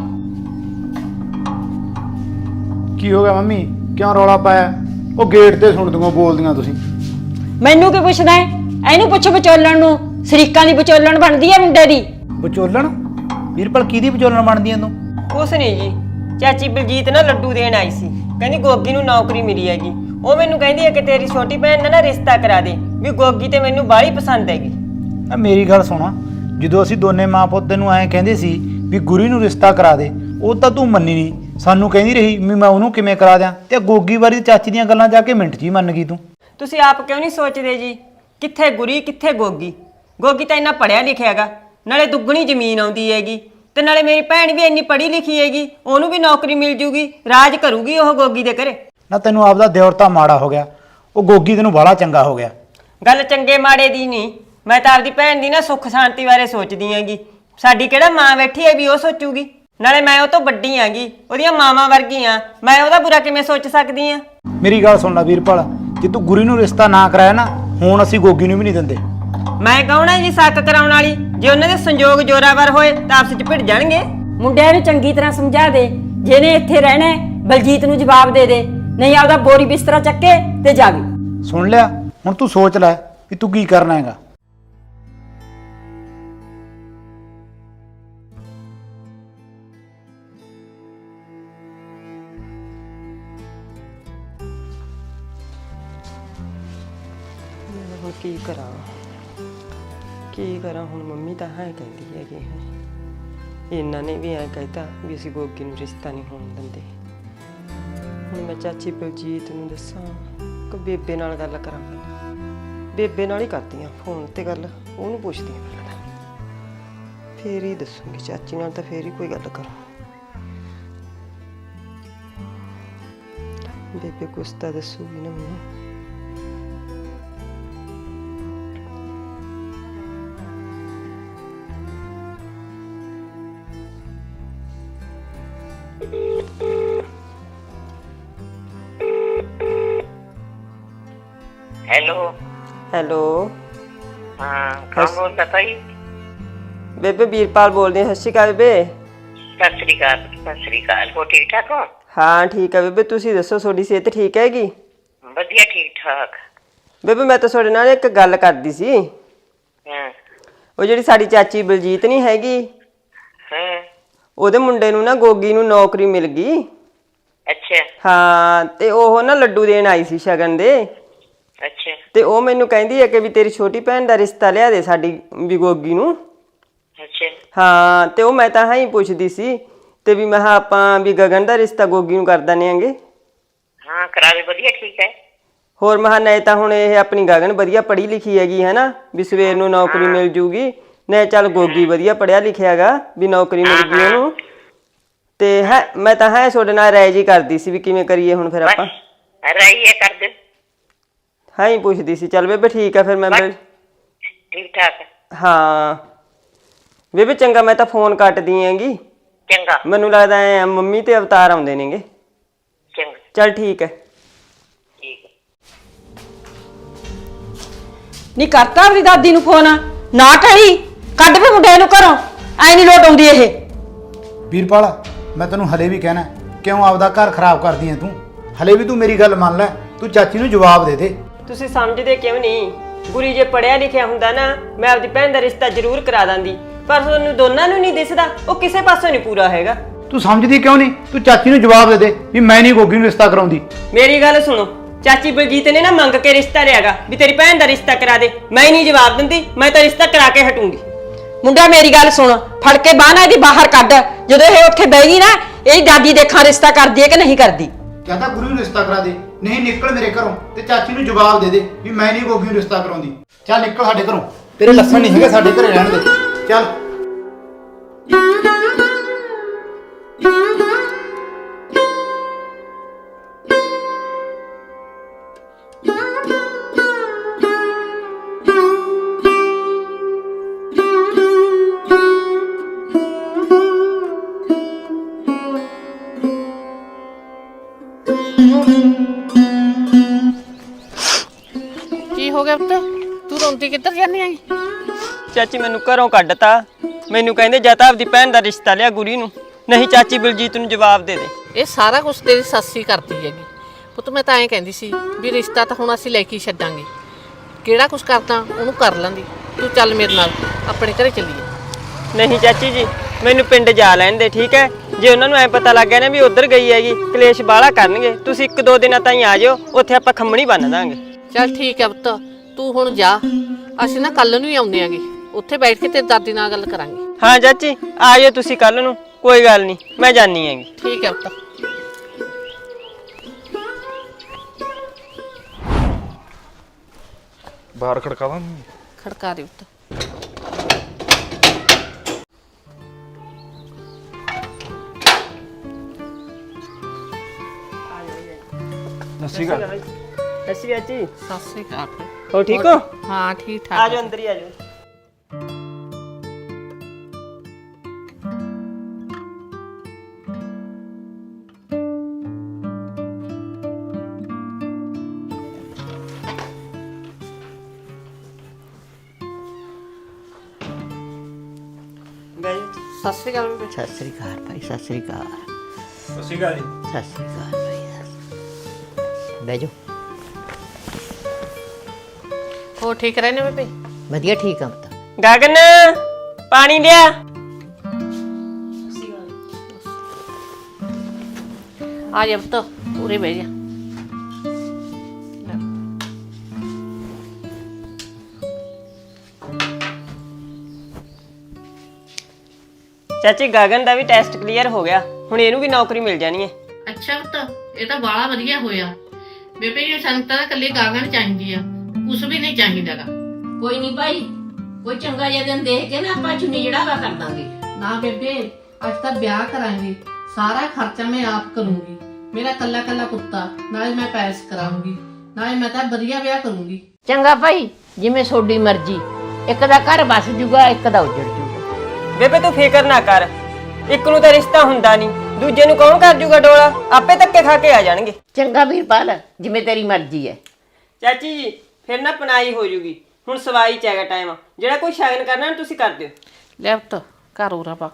S5: ਕੀ ਹੋ ਗਿਆ ਮੰਮੀ, ਕਿਉਂ ਰੌਲਾ ਪਾਇਆ? ਉਹ ਗੇਟ ਤੇ ਸੁਣਦੀਆਂ ਬੋਲਦੀਆਂ ਤੁਸੀਂ।
S1: ਮੈਨੂੰ ਕੀ ਪੁੱਛਦਾ ਹੈ? ਇਹਨੂੰ ਪੁੱਛ ਵਿਚੋਲਣ ਨੂੰ, ਸ਼ਰੀਕਾਂ ਦੀ ਵਿਚੋਲਣ ਬਣਦੀ ਹੈ ਮੁੰਡੇ ਦੀ।
S5: ਵਿਚੋਲਣ? ਵੀਰਪਾਲ ਕਿਹਦੀ ਵਿਚੋਲਣ ਬਣਦੀ ਐ ਤੂੰ?
S3: ਕੁਛ ਨਹੀਂ ਜੀ, ਚਾਚੀ ਬਲਜੀਤ ਨਾ ਲੱਡੂ ਦੇਣ ਆਈ ਸੀ, ਕਹਿੰਦੀ ਗੋਗੀ ਨੂੰ ਨੌਕਰੀ ਮਿਲੀ ਹੈਗੀ। ਉਹ ਮੈਨੂੰ ਕਹਿੰਦੀ ਹੈ ਕਿ ਤੇਰੀ ਛੋਟੀ ਭੈਣ ਦਾ ਨਾ ਰਿਸ਼ਤਾ ਕਰਾ ਦੇ, ਵੀ ਗੋਗੀ ਤੇ ਮੈਨੂੰ ਬਾਹਲੀ ਪਸੰਦ ਹੈਗੀ।
S5: ਆ ਮੇਰੀ ਗੱਲ ਸੁਣਾ, ਜਦੋਂ ਅਸੀਂ ਦੋਨੇ ਮਾਂ ਪੁੱਤ ਨੂੰ ਐਂ ਕਹਿੰਦੇ ਸੀ ਵੀ ਗੁਰੀ ਨੂੰ ਰਿਸ਼ਤਾ ਕਰਾ ਦੇ, ਉਹ ਤਾਂ ਤੂੰ ਮੰਨੀ ਨਹੀਂ, ਸਾਨੂੰ ਕਹਿੰਦੀ ਰਹੀ ਵੀ ਮੈਂ ਉਹਨੂੰ ਕਿਵੇਂ ਕਰਾ ਦਿਆਂ, ਤੇ ਗੋਗੀ ਬਾਰੇ ਚਾਚੀ ਦੀਆਂ ਗੱਲਾਂ ਜਾ ਕੇ ਮਿੰਟ 'ਚ ਹੀ ਮੰਨ ਗਈ ਤੂੰ।
S3: ਤੁਸੀਂ ਆਪ ਕਿਉਂ ਨਹੀਂ ਸੋਚਦੇ ਜੀ, ਕਿੱਥੇ ਗੁਰੀ ਕਿੱਥੇ ਗੋਗੀ? ਗੋਗੀ ਤਾਂ ਇੰਨਾ ਪੜਿਆ ਲਿਖਿਆ ਹੈਗਾ, ਨਾਲੇ ਦੁੱਗਣੀ ਜ਼ਮੀਨ ਆਉਂਦੀ ਹੈਗੀ, ਤੇ ਨਾਲੇ ਮੇਰੀ ਭੈਣ ਵੀ ਇੰਨੀ ਪੜ੍ਹੀ ਲਿਖੀ ਹੈਗੀ, ਉਹਨੂੰ ਵੀ ਨੌਕਰੀ ਮਿਲ ਜੂਗੀ, ਰਾਜ ਕਰੂਗੀ ਉਹ ਗੋਗੀ ਦੇ ਘਰੇ।
S5: ਨਾ ਤੈਨੂੰ ਆਪਦਾ ਦਿਓਰ ਤਾਂ ਮਾੜਾ ਹੋ ਗਿਆ, ਉਹ ਗੋਗੀ ਤੈਨੂੰ ਬਾਹਲਾ ਚੰਗਾ ਹੋ ਗਿਆ।
S3: ਗੱਲ ਚੰਗੇ ਮਾੜੇ ਦੀ ਨਹੀਂ, ਮੈਂ ਤਾਂ ਆਪਦੀ ਭੈਣ ਦੀ ਨਾ ਸੁੱਖ ਸ਼ਾਂਤੀ ਬਾਰੇ ਸੋਚਦੀ ਹੈਗੀ। ਸਾਡੀ ਕਿਹੜਾ ਮਾਂ ਬੈਠੀ ਹੈ ਵੀ ਉਹ ਸੋਚੂਗੀ? ਨਾਲੇ ਮੈਂ ਉਹ ਤੋਂ ਵੱਡੀ ਹੈਗੀ, ਉਹਦੀਆਂ ਮਾਵਾਂ ਵਰਗੀ ਆ, ਮੈਂ ਉਹਦਾ ਬੁਰਾ ਕਿਵੇਂ ਸੋਚ ਸਕਦੀ ਆ?
S5: ਮੇਰੀ ਗੱਲ ਸੁਣ ਲੈ ਵੀਰਪਾਲ, ਜੇ ਤੂੰ ਗੁਰੀ ਨੂੰ ਰਿਸ਼ਤਾ ਨਾ ਕਰਾਇਆ ਨਾ, ਹੁਣ ਅਸੀਂ ਗੋਗੀ ਨੂੰ ਵੀ ਨਹੀਂ ਦਿੰਦੇ।
S3: ਮੈਂ ਕੌਣ ਹੈ ਜੀ ਸ਼ੱਕ ਕਰਾਉਣ ਵਾਲੀ? ਜੇ ਉਹਨਾਂ ਦੇ ਸੰਜੋਗ ਜੋਰਾਵਰ ਹੋਏ ਤਾਂ ਆਪਸ ਚ ਭਿੜ ਜਾਣਗੇ।
S1: ਮੁੰਡਿਆਂ ਨੂੰ ਚੰਗੀ ਤਰ੍ਹਾਂ ਸਮਝਾ ਦੇ, ਜਿਹਨੇ ਇੱਥੇ ਰਹਿਣਾ ਹੈ, ਬਲਜੀਤ ਨੂੰ ਜਵਾਬ ਦੇ ਦੇ, ਨਹੀਂ ਆਪਦਾ ਬੋਰੀ ਬਿਸਤਰਾ ਚੱਕੇ ਤੇ ਜਾਵੇ।
S5: ਸੁਣ ਲਿਆ? ਹੁਣ ਤੂੰ ਸੋਚ ਲੈ ਵੀ ਤੂੰ ਕੀ ਕਰਨਾ ਹੈਗਾ।
S3: ਹੁਣ ਕੀ ਕਰਾਂ ਹੁਣ? ਮੰਮੀ ਤਾਂ ਹਾਂ ਕਹਿੰਦੀ ਹੈਗੀ ਹੈ, ਇਹਨਾਂ ਨੇ ਵੀ ਐਂ ਕਹਿਤਾ ਵੀ ਅਸੀਂ ਗੋਗੀ ਨੂੰ ਰਿਸ਼ਤਾ ਨਹੀਂ ਹੋਣ ਦਿੰਦੇ। ਹੁਣ ਮੈਂ ਚਾਚੀ ਬਲਜੀਤ ਨੂੰ ਦੱਸਾਂ ਕਿ ਬੇਬੇ ਨਾਲ ਗੱਲ ਕਰਾਂ? ਬੇਬੇ ਨਾਲ ਹੀ ਕਰਦੀ ਆ ਫੋਨ ਤੇ ਗੱਲ, ਉਹਨੂੰ ਪੁੱਛਦੀ ਆ ਪਹਿਲਾਂ ਤਾਂ, ਫੇਰ ਹੀ ਦੱਸੂਗੀ। ਚਾਚੀ ਨਾਲ ਤਾਂ ਫੇਰ ਹੀ ਕੋਈ ਗੱਲ ਕਰਾਂ। ਬੇਬੇ ਕੁਛ ਤਾਂ ਦੱਸੂਗੀ ਨਾ ਮੈਨੂੰ। ਹੈਲੋ
S2: ਹਾਂ, ਕੌਣ ਬੋਲਦਾ ਭਾਈ?
S3: ਬੇਬੇ ਵੀਰਪਾਲ ਬੋਲਦੀ ਹਾਂ। ਸਤਿ ਸ਼੍ਰੀ ਅਕਾਲ ਬੇਬੇ।
S2: ਸਤਿ ਸ੍ਰੀ ਅਕਾਲ। ਸਤਿ ਸ੍ਰੀ ਅਕਾਲ। ਹੋ ਠੀਕ ਠਾਕ ਹੋ?
S3: ਹਾਂ ਠੀਕ ਹੈ ਬੇਬੇ, ਤੁਸੀਂ ਦੱਸੋ ਤੁਹਾਡੀ ਸਿਹਤ ਠੀਕ ਹੈਗੀ?
S2: ਵਧੀਆ, ਠੀਕ ਠਾਕ।
S3: ਬੇਬੇ ਮੈਂ ਤਾਂ ਤੁਹਾਡੇ ਨਾਲ ਇੱਕ ਗੱਲ ਕਰਦੀ ਸੀ।
S2: ਹਾਂ
S3: ਉਹ ਜਿਹੜੀ ਸਾਡੀ ਚਾਚੀ ਬਲਜੀਤ ਨਹੀਂ ਹੈਗੀ,
S2: ਹਾਂ।
S3: ਉਹਦੇ ਮੁੰਡੇ ਨੂੰ ਨਾ ਗੋਗੀ ਨੂੰ ਨੌਕਰੀ ਮਿਲ ਗਈ।
S2: ਅੱਛਾ
S3: ਹਾਂ, ਤੇ ਉਹ ਨਾ ਲੱਡੂ ਦੇਣ ਆਈ ਸੀ ਸ਼ਗਨ ਦੇ,
S2: ਅੱਛਾ।
S3: ਤੇ ਉਹ ਮੈਨੂੰ ਕਹਿੰਦੀ ਹੈ ਕਿ ਵੀ ਤੇਰੀ ਛੋਟੀ ਭੈਣ ਦਾ ਰਿਸ਼ਤਾ ਲਿਆ ਦੇ ਸਾਡੀ ਵੀ ਗੋਗੀ ਨੂੰ।
S2: ਅੱਛਾ
S3: ਹਾਂ, ਤੇ ਉਹ ਮੈਂ ਤਾਂ ਹਾਂ ਹੀ ਪੁੱਛਦੀ ਸੀ ਤੇ ਵੀ ਮੈਂ ਕਿਹਾ ਆਪਾਂ ਵੀ ਗਗਨ ਦਾ ਰਿਸ਼ਤਾ ਗੋਗੀ ਨੂੰ ਕਰ ਦਿੰਦੇ ਆਂਗੇ।
S2: ਹਾਂ ਕਰਾ ਦੇ, ਵਧੀਆ ਠੀਕ ਹੈ।
S3: ਹੋਰ ਮੈਂ ਕਿਹਾ ਨਹੀਂ ਤਾਂ ਹੁਣ ਇਹ ਆਪਣੀ ਗਗਨ ਵਧੀਆ ਪੜ੍ਹੀ ਲਿਖੀ ਹੈਗੀ ਹੈ ਨਾ, ਵੀ ਸਵੇਰ ਨੂੰ ਨੌਕਰੀ ਮਿਲ ਜੂਗੀ, ਨਹੀਂ ਚੱਲ ਗੋਗੀ ਵਧੀਆ ਪੜ੍ਹਿਆ ਲਿਖਿਆ ਹੈਗਾ ਵੀ ਨੌਕਰੀ ਮਿਲ ਗਈ ਉਹਨੂੰ। ਤੇ ਹੈ ਮੈਂ ਤਾਂ ਹੈ ਤੁਹਾਡੇ ਨਾਲ ਰਾਏ ਜੀ ਕਰਦੀ ਸੀ ਵੀ ਕਿਵੇਂ ਕਰੀਏ ਹੁਣ ਫਿਰ ਆਪਾਂ।
S2: ਰਾਈ ਹੈ ਕਰ ਦੇ।
S3: ਹਾਂ ਹੀ ਪੁੱਛਦੀ ਸੀ। ਚੱਲ ਬੇਬੇ ਠੀਕ ਆ ਫਿਰ ਮੈਂ
S2: ਠੀਕ ਠਾਕ।
S3: ਹਾਂ ਬੇਬੇ ਚੰਗਾ, ਮੈਂ ਤਾਂ ਫੋਨ ਕੱਟਦੀ ਹੈਗੀ।
S2: ਚੰਗਾ।
S3: ਮੈਨੂੰ ਲੱਗਦਾ ਐ ਮੰਮੀ ਤੇ ਅਵਤਾਰ ਆਉਂਦੇ ਨੇਗੇ।
S2: ਚੰਗਾ
S3: ਚੱਲ ਠੀਕ ਹੈ।
S2: ਠੀਕ ਹੈ।
S1: ਨਹੀਂ ਕਰਤਾ ਆਪਣੀ ਦਾਦੀ ਨੂੰ ਫੋਨ? ਨਾ ਕਰੀ, ਕੱਢ ਵੀ ਮੁੰਡੇ ਨੂੰ ਘਰੋਂ, ਐ ਨਹੀਂ ਲੋਟ ਆਉਂਦੀ ਇਹ।
S5: ਵੀਰਪਾਲ ਮੈਂ ਤੈਨੂੰ ਹਲੇ ਵੀ ਕਹਿਣਾ, ਕਿਉਂ ਆਪਦਾ ਘਰ ਖਰਾਬ ਕਰਦੀ ਐ ਤੂੰ? ਹਲੇ ਵੀ ਤੂੰ ਮੇਰੀ ਗੱਲ ਮੰਨ ਲੈ, ਤੂੰ ਚਾਚੀ ਨੂੰ ਜਵਾਬ ਦੇ ਦੇ।
S3: ਤੁਸੀਂ ਸਮਝਦੇ ਕਿਉਂ ਨਹੀਂ? ਗੁਰੀ ਜੇ ਪੜਿਆ ਲਿਖਿਆ ਹੁੰਦਾ ਨਾ, ਮੈਂ ਆਪਦੀ ਭੈਣ ਦਾ ਰਿਸ਼ਤਾ ਜ਼ਰੂਰ ਕਰਾ ਦਾਂਦੀ, ਪਰ ਤੁਹਾਨੂੰ ਦੋਨਾਂ ਨੂੰ ਨਹੀਂ ਦਿਸਦਾ, ਉਹ ਕਿਸੇ ਪਾਸੋਂ ਨਹੀਂ ਪੂਰਾ ਹੈਗਾ।
S5: ਤੂੰ ਸਮਝਦੀ ਕਿਉਂ ਨਹੀਂ? ਤੂੰ ਚਾਚੀ ਨੂੰ ਜਵਾਬ ਦੇ ਦੇ ਵੀ ਮੈਂ ਨਹੀਂ ਗੋਗੀ ਨੂੰ ਰਿਸ਼ਤਾ ਕਰਾਉਂਦੀ।
S3: ਮੇਰੀ ਗੱਲ ਸੁਣੋ, ਚਾਚੀ ਬਲਜੀਤ ਨੇ ਨਾ ਮੰਗ ਕੇ ਰਿਸ਼ਤਾ ਲਿਆਗਾ ਵੀ ਤੇਰੀ ਭੈਣ ਦਾ ਰਿਸ਼ਤਾ ਕਰਾ ਦੇ, ਮੈਂ ਨਹੀਂ ਜਵਾਬ ਦਿੰਦੀ, ਮੈਂ ਤਾਂ ਰਿਸ਼ਤਾ ਕਰਾ ਕੇ ਹਟੂੰਗੀ।
S1: ਮੁੰਡਾ ਮੇਰੀ ਗੱਲ ਸੁਣ, ਫੜ ਕੇ ਬਾਹਨਾ ਇਹਦੀ ਬਾਹਰ ਕੱਢ। ਜਦੋਂ ਇਹ ਉੱਥੇ ਬਹਿ ਗਈ ਨਾ, ਇਹਦੀ ਦਾਦੀ ਦੇਖਾਂ ਰਿਸ਼ਤਾ ਕਰਦੀ ਹੈ ਕਿ ਨਹੀਂ ਕਰਦੀ।
S5: ਜਾਂ ਤਾਂ ਗੁਰੂ ਨੂੰ ਰਿਸ਼ਤਾ ਕਰਾ ਦੇ, ਨਹੀਂ ਨਿਕਲ ਮੇਰੇ ਘਰੋਂ ਤੇ ਚਾਚੀ ਨੂੰ ਜਵਾਬ ਦੇ ਦੇ ਵੀ ਮੈਂ ਨਹੀਂ ਗੋਗੀ ਨੂੰ ਰਿਸ਼ਤਾ ਕਰਾਉਂਦੀ। ਚੱਲ ਨਿਕਲ ਸਾਡੇ ਘਰੋਂ, ਤੇਰੇ ਲੱਛਣ ਨਹੀਂ ਹੈਗੇ ਸਾਡੇ ਘਰੇ ਰਹਿਣ ਦੇ। ਚੱਲ
S8: ਕੀ ਹੋ ਗਿਆ ਪੁੱਤ, ਤੂੰ ਰੋਂਦੀ ਕਿੱਧਰ ਜਾਂਦੀ ਆਈ?
S3: ਚਾਚੀ ਮੈਨੂੰ ਘਰੋਂ ਕੱਢਤਾ। ਮੈਨੂੰ ਕਹਿੰਦੇ ਜਾਂ ਤਾਂ ਆਪਦੀ ਭੈਣ ਦਾ ਰਿਸ਼ਤਾ ਲਿਆ ਗੁਰੀ ਨੂੰ, ਨਹੀਂ ਚਾਚੀ ਬਲਜੀਤ ਨੂੰ ਜਵਾਬ ਦੇ ਦੇ।
S8: ਇਹ ਸਾਰਾ ਕੁਝ ਤੇਰੀ ਸੱਸੀ ਕਰਦੀ ਹੈਗੀ ਪੁੱਤ। ਮੈਂ ਤਾਂ ਐਂ ਕਹਿੰਦੀ ਸੀ ਵੀ ਰਿਸ਼ਤਾ ਤਾਂ ਹੁਣ ਅਸੀਂ ਲੈ ਕੇ ਹੀ ਛੱਡਾਂਗੇ, ਕਿਹੜਾ ਕੁਝ ਕਰਦਾ ਉਹਨੂੰ ਕਰ ਲਾਂਦੀ। ਤੂੰ ਚੱਲ ਮੇਰੇ ਨਾਲ ਆਪਣੇ ਘਰੇ ਚੱਲੀਏ।
S3: ਨਹੀਂ ਚਾਚੀ ਜੀ, ਮੈਨੂੰ ਪਿੰਡ ਜਾ ਲੈਣ ਦੇ, ਠੀਕ ਹੈ? ਜੇ ਉਹਨਾਂ ਨੂੰ ਐ ਪਤਾ ਲੱਗ ਗਿਆ ਨਾ ਵੀ ਉਧਰ ਗਈ ਹੈਗੀ, ਕਲੇਸ਼ ਬਾਹਲਾ ਕਰਨਗੇ। ਤੁਸੀਂ 1-2 ਦਿਨਾਂ ਤਾਈਂ ਆ ਜਾਓ, ਉੱਥੇ ਆਪਾਂ ਖੰਮਣੀ ਬੰਨ ਦਾਂਗੇ।
S8: ਚੱਲ ਠੀਕ ਹੈ ਪੁੱਤ, ਤੂੰ ਹੁਣ ਜਾ। ਅਸੀਂ ਨਾ ਕੱਲ ਨੂੰ ਹੀ ਆਉਂਦੇ ਆਂਗੇ, ਉੱਥੇ ਬੈਠ ਕੇ ਤੇਰੀ ਦਾਦੀ ਨਾਲ ਗੱਲ ਕਰਾਂਗੇ।
S3: ਹਾਂ ਚਾਚੀ, ਆ ਜਾਓ ਤੁਸੀਂ ਕੱਲ ਨੂੰ, ਕੋਈ ਗੱਲ ਨਹੀਂ, ਮੈਂ ਜਾਣੀ ਹੈਗੀ।
S8: ਠੀਕ ਹੈ ਪੁੱਤ।
S9: ਬਾਹਰ ਖੜਕਾਵਾਂ?
S8: ਖੜਕਾ ਦੇ ਪੁੱਤ।
S9: ਸੱਸੀ ਗੱਲ
S3: ਸੱਸੀ ਚਾਚੀ,
S8: ਸਤਿ ਸ੍ਰੀ ਅਕਾਲ।
S3: ਹੋ ਠੀਕ ਹੋ?
S8: ਹਾਂ ਠੀਕ ਠਾਕ।
S3: ਆ ਜਾਓ ਅੰਦਰ ਹੀ ਆ ਜਾਓ।
S8: ਸਤਿ ਸ੍ਰੀ ਅਕਾਲ ਬੇਬੇ।
S2: ਸਤਿ ਸ੍ਰੀ ਅਕਾਲ ਭਾਈ, ਸਤਿ ਸ੍ਰੀ ਅਕਾਲ।
S9: ਸੱਸੀ ਗੱਲ
S2: ਸਤਿ ਸ੍ਰੀ ਅਕਾਲ ਭਾਈ। ਬਹਿ ਜਾਓ।
S8: ਹੋ ਠੀਕ ਰਹਿੰਦੇ ਬੇਬੇ?
S2: ਵਧੀਆ, ਠੀਕ ਆ ਪੁੱਤ।
S3: ਗਗਨ, ਪਾਣੀ ਲਿਆ।
S8: ਆ ਜਾ ਪੁੱਤ, ਉਰੇ ਬਹਿ ਜਾ।
S3: ਚਾਚੀ ਗਗਨ ਦਾ ਵੀ ਟੈਸਟ ਕਲੀਅਰ ਹੋ ਗਿਆ, ਹੁਣ ਇਹਨੂੰ ਵੀ ਨੌਕਰੀ ਮਿਲ ਜਾਣੀ ਹੈ।
S8: ਅੱਛਾ ਪੁੱਤ, ਇਹ ਤਾਂ ਬਾਲਾ ਵਧੀਆ ਹੋਇਆ ਬੇਬੇ। ਇਹ ਸੰਗਤਾਂ ਤਾਂ ਕੱਲੀ ਗਾਗਣ ਚਾਹੀਦੀ ਆ, ਕੁਛ ਵੀ ਨਹੀਂ ਚਾਹੀਦਾਗਾ।
S10: ਕੋਈ ਨਹੀਂ ਭਾਈ, ਕੋਈ ਚੰਗਾ ਜਿਹਾ ਦਿਨ ਦੇਖ ਕੇ ਨਾ ਆਪਾਂ ਚੁੰਨੀ ਜੜਾਵਾ ਕਰ ਦਾਂਗੇ।
S8: ਨਾ ਬੇਬੇ, ਅੱਜ ਤਾਂ ਵਿਆਹ ਕਰਾਂਗੇ, ਸਾਰਾ ਖਰਚਾ ਮੈਂ ਆਪ ਕਰੂੰਗੀ। ਮੇਰਾ ਕੱਲਾ ਕੱਲਾ ਪੁੱਤਾ, ਨਾਲੇ ਮੈਂ ਪੈਸ ਕਰਾਉਂਗੀ, ਨਾਲੇ ਮੈਂ ਤਾਂ ਵਧੀਆ ਵਿਆਹ ਕਰੂੰਗੀ।
S10: ਚੰਗਾ ਭਾਈ, ਜਿਵੇਂ ਤੁਹਾਡੀ ਮਰਜ਼ੀ। ਇੱਕ ਦਾ ਘਰ ਬਸ ਜੂਗਾ, ਇੱਕ ਦਾ ਉੱਜੜ ਜੂਗਾ।
S3: ਬੇਬੇ ਤੂੰ ਫਿਕਰ ਨਾ ਕਰ, ਇੱਕ ਨੂੰ ਤਾਂ ਰਿਸ਼ਤਾ ਹੁੰਦਾ ਨਹੀਂ, ਦੂਜੇ ਨੂੰ ਕੌਣ ਕਰ ਜੂਗਾ ਡੋਲਾ? ਆਪੇ ਧੱਕੇ ਖਾ ਕੇ ਆ ਜਾਣਗੇ।
S10: ਚੰਗਾ ਵੀਰਪਾਲ, ਜਿਵੇਂ ਤੇਰੀ ਮਰਜ਼ੀ ਹੈ।
S3: ਚਾਚੀ ਜੀ ਫਿਰ ਨਾ ਪਨਾਈ ਹੋ ਜੂਗੀ, ਹੁਣ ਸਵਾਈ ਚ ਹੈਗਾ ਟਾਈਮ। ਜਿਹੜਾ ਕੋਈ ਸ਼ਗਨ ਕਰਨਾ ਨਾ ਤੁਸੀਂ ਕਰ ਦਿਓ।
S8: ਲੈ ਪੁੱਤ, ਘਰ ਉਰਾ ਪਾ।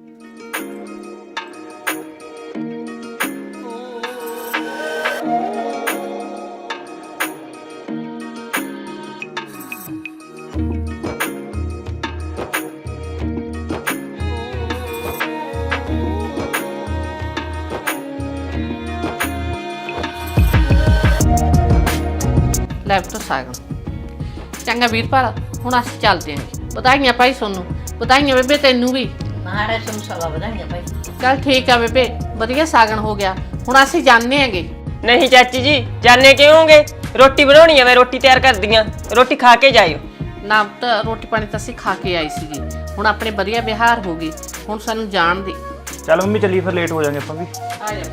S8: ਲੈ ਪੁੱਤ ਸਾਗਨ। ਚੰਗਾ ਵੀਰਪਾਲ, ਹੁਣ ਅਸੀਂ ਚੱਲਦੇ ਆਂ। ਵਧਾਈਆਂ ਭਾਈ ਸੋਨੂੰ, ਵਧਾਈਆਂ ਬੇਬੇ ਤੈਨੂੰ ਵੀ।
S10: ਮਹਾਰਾਜ ਤੁਹਾਨੂੰ ਸਵਾ ਵਧਾਈਆਂ ਭਾਈ।
S8: ਚੱਲ ਠੀਕ ਆ ਬੇਬੇ, ਵਧੀਆ ਸਾਗਨ ਹੋ ਗਿਆ। ਹੁਣ ਅਸੀਂ ਜਾਣੇ ਆਂਗੇ।
S3: ਨਹੀਂ ਚਾਚੀ ਜੀ, ਜਾਣੇ ਕਿਉਂ ਹੋਗੇ? ਰੋਟੀ ਬਣਾਉਣੀ ਆ, ਮੈਂ ਰੋਟੀ ਤਿਆਰ ਕਰਦੀ ਆ, ਰੋਟੀ ਖਾ ਕੇ ਜਾਇਓ।
S8: ਨਾ ਤਾਂ ਰੋਟੀ ਪਾਣੀ ਤਾਂ ਅਸੀਂ ਖਾ ਕੇ ਆਏ ਸੀਗੇ, ਹੁਣ ਆਪਣੇ ਵਧੀਆ ਵਿਹਾਰ ਹੋ ਗਏ, ਹੁਣ ਸਾਨੂੰ ਜਾਣ ਦੇ।
S9: ਚੱਲ ਮੰਮੀ ਚੱਲੀ, ਫਿਰ ਲੇਟ ਹੋ ਜਾਾਂਗੇ ਆਪਾਂ ਵੀ।
S8: ਆ ਜਾ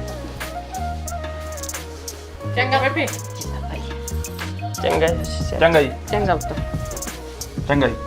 S8: ਚੰਗਾ ਬੇਬੇ।
S3: ਚੰਗਾ
S9: ਚੰਗਾ ਜੀ।
S8: ਚੰਗਾ ਪੁੱਤ।
S9: ਚੰਗਾ ਜੀ।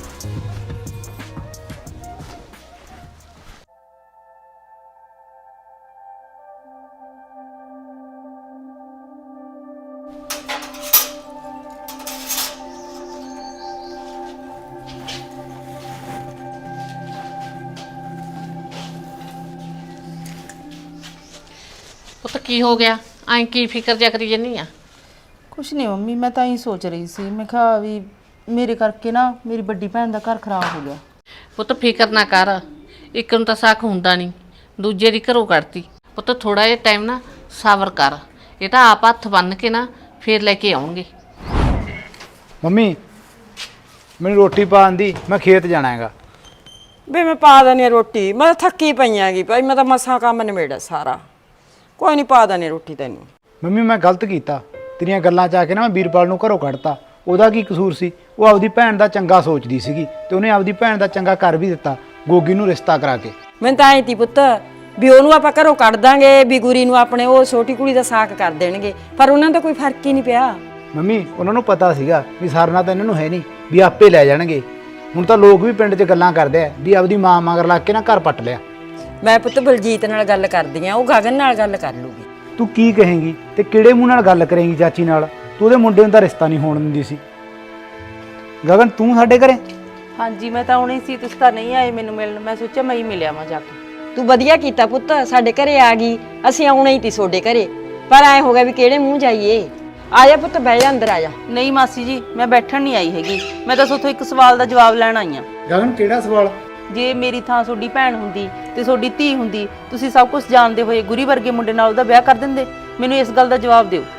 S8: ਪੁੱਤ ਕੀ ਹੋ ਗਿਆ? ਐਂ ਕੀ ਫਿਕਰ ਜਿਹਾ ਕਰੀ ਜੰਨੀ ਆ?
S11: ਕੁਛ ਨਹੀਂ ਮੰਮੀ, ਮੈਂ ਤਾਂ ਹੀ ਸੋਚ ਰਹੀ ਸੀ, ਮੈਂ ਕਿਹਾ ਵੀ ਮੇਰੇ ਕਰਕੇ ਨਾ ਮੇਰੀ ਵੱਡੀ ਭੈਣ ਦਾ ਘਰ ਖਰਾਬ ਹੋ ਗਿਆ।
S8: ਪੁੱਤ ਫਿਕਰ ਨਾ ਕਰ, ਇੱਕ ਨੂੰ ਤਾਂ ਸਾਖ ਹੁੰਦਾ ਨਹੀਂ, ਦੂਜੇ ਦੀ ਘਰੋਂ ਕੱਢਤੀ। ਪੁੱਤ ਥੋੜਾ ਜਿਹਾ ਟਾਈਮ ਨਾ ਸਬਰ ਕਰ, ਇਹ ਤਾਂ ਆਪ ਹੱਥ ਬੰਨ ਕੇ ਨਾ ਫੇਰ ਲੈ ਕੇ ਆਉਣਗੇ।
S5: ਮੰਮੀ ਮੈਨੂੰ ਰੋਟੀ ਪਾਉਣ ਦੀ, ਮੈਂ ਖੇਤ ਜਾਣਾ ਹੈਗਾ।
S1: ਵੇ ਮੈਂ ਪਾ ਦਨੀ ਰੋਟੀ, ਮੈਂ ਤਾਂ ਥੱਕੀ ਪਈ ਆਂਗੀ ਭਾਈ, ਮੈਂ ਤਾਂ ਮਸਾਂ ਕੰਮ ਨਿਬੇੜਿਆ ਸਾਰਾ। ਕੋਈ ਨਹੀਂ ਪਾ ਦਾਨੇ ਰੋਟੀ ਤੈਨੂੰ।
S5: ਮੰਮੀ ਮੈਂ ਗਲਤ ਕੀਤਾ, ਤੇਰੀਆਂ ਗੱਲਾਂ 'ਚ ਆ ਕੇ ਨਾ ਮੈਂ ਵੀਰਪਾਲ ਨੂੰ ਘਰੋਂ ਕੱਢਤਾ। ਉਹਦਾ ਕੀ ਕਸੂਰ ਸੀ? ਉਹ ਆਪਦੀ ਭੈਣ ਦਾ ਚੰਗਾ ਸੋਚਦੀ ਸੀਗੀ ਤੇ ਉਹਨੇ ਆਪਦੀ ਭੈਣ ਦਾ ਚੰਗਾ ਕਰ ਵੀ ਦਿੱਤਾ, ਗੋਗੀ ਨੂੰ ਰਿਸ਼ਤਾ ਕਰਾ ਕੇ।
S1: ਮੈਨੂੰ ਤਾਂ ਐਂ ਤੀ ਪੁੱਤ ਵੀ ਉਹਨੂੰ ਆਪਾਂ ਘਰੋਂ ਕੱਢ ਦਾਂਗੇ, ਵੀ ਗੁਰੀ ਨੂੰ ਆਪਣੇ ਉਹ ਛੋਟੀ ਕੁੜੀ ਦਾ ਸਾਕ ਕਰ ਦੇਣਗੇ, ਪਰ ਉਹਨਾਂ ਦਾ ਕੋਈ ਫਰਕ ਹੀ ਨਹੀਂ ਪਿਆ।
S5: ਮੰਮੀ ਉਹਨਾਂ ਨੂੰ ਪਤਾ ਸੀਗਾ ਵੀ ਸਰਨਾ ਤਾਂ ਇਹਨਾਂ ਨੂੰ ਹੈ ਨਹੀਂ, ਵੀ ਆਪੇ ਲੈ ਜਾਣਗੇ। ਹੁਣ ਤਾਂ ਲੋਕ ਵੀ ਪਿੰਡ 'ਚ ਗੱਲਾਂ ਕਰਦੇ ਆ ਵੀ ਆਪਦੀ ਮਾਂ ਮਗਰ ਲੱਗ ਕੇ ਨਾ ਘਰ ਪੱਟ ਲਿਆ।
S1: ਮੈਂ ਪੁੱਤ ਬਲਜੀਤ ਨਾਲ ਗੱਲ ਕਰਦੀ ਆ, ਉਹ ਗਗਨ ਨਾਲ ਗੱਲ ਕਰ ਲੂਗੀ।
S5: ਤੂੰ ਕੀ ਕਹੇਂਗੀ ਤੇ ਕਿਹੜੇ ਮੂੰਹ ਨਾਲ ਗੱਲ ਕਰੇਂਗੀ ਚਾਚੀ ਨਾਲ? ਤੂੰ ਉਹਦੇ ਮੁੰਡੇ ਨੂੰ ਤਾਂ ਰਿਸ਼ਤਾ ਨਹੀਂ ਹੋਣ ਦਿੰਦੀ ਸੀ। ਗਗਨ ਤੂੰ ਸਾਡੇ ਘਰੇ?
S11: ਹਾਂਜੀ ਮੈਂ ਤਾਂ ਆਉਣੀ ਸੀ, ਤੁਸੀਂ ਤਾਂ ਨਹੀਂ ਆਏ ਮੈਨੂੰ ਮਿਲਣ। ਮੈਂ ਸੋਚਿਆ ਮੈਂ ਹੀ ਮਿਲਿਆ ਵਾਂ ਜਾ ਕੇ।
S1: ਤੂੰ ਵਧੀਆ ਕੀਤਾ ਪੁੱਤ, ਸਾਡੇ ਘਰੇ ਆ ਗਈ। ਅਸੀਂ ਆਉਣਾ ਹੀ ਤੀ ਤੁਹਾਡੇ ਘਰੇ, ਪਰ ਐ ਹੋ ਗਿਆ ਵੀ ਕਿਹੜੇ ਮੂੰਹ ਜਾਈਏ। ਆ ਜਾ ਪੁੱਤ, ਬਹਿ ਜਾ, ਅੰਦਰ ਆ ਜਾ।
S11: ਨਹੀਂ ਮਾਸੀ ਜੀ, ਮੈਂ ਬੈਠਣ ਨਹੀਂ ਆਈ ਹੈਗੀ, ਮੈਂ ਤਾਂ ਸੋਥੋਂ ਇੱਕ ਸਵਾਲ ਦਾ ਜਵਾਬ ਲੈਣ ਆਈ ਆ।
S5: ਗਗਨ ਕਿਹੜਾ ਸਵਾਲ?
S11: ਜੇ ਮੇਰੀ ਥਾਂ ਤੁਹਾਡੀ ਭੈਣ ਹੁੰਦੀ ਤੇ ਤੁਹਾਡੀ ਧੀ ਹੁੰਦੀ, ਤੁਸੀਂ ਸਭ ਕੁਝ ਜਾਣਦੇ ਹੋਏ ਗੁਰੀ ਵਰਗੇ ਮੁੰਡੇ ਨਾਲ ਉਹਦਾ ਵਿਆਹ ਕਰ ਦਿੰਦੇ? ਮੈਨੂੰ ਇਸ ਗੱਲ ਦਾ ਜਵਾਬ ਦਿਓ।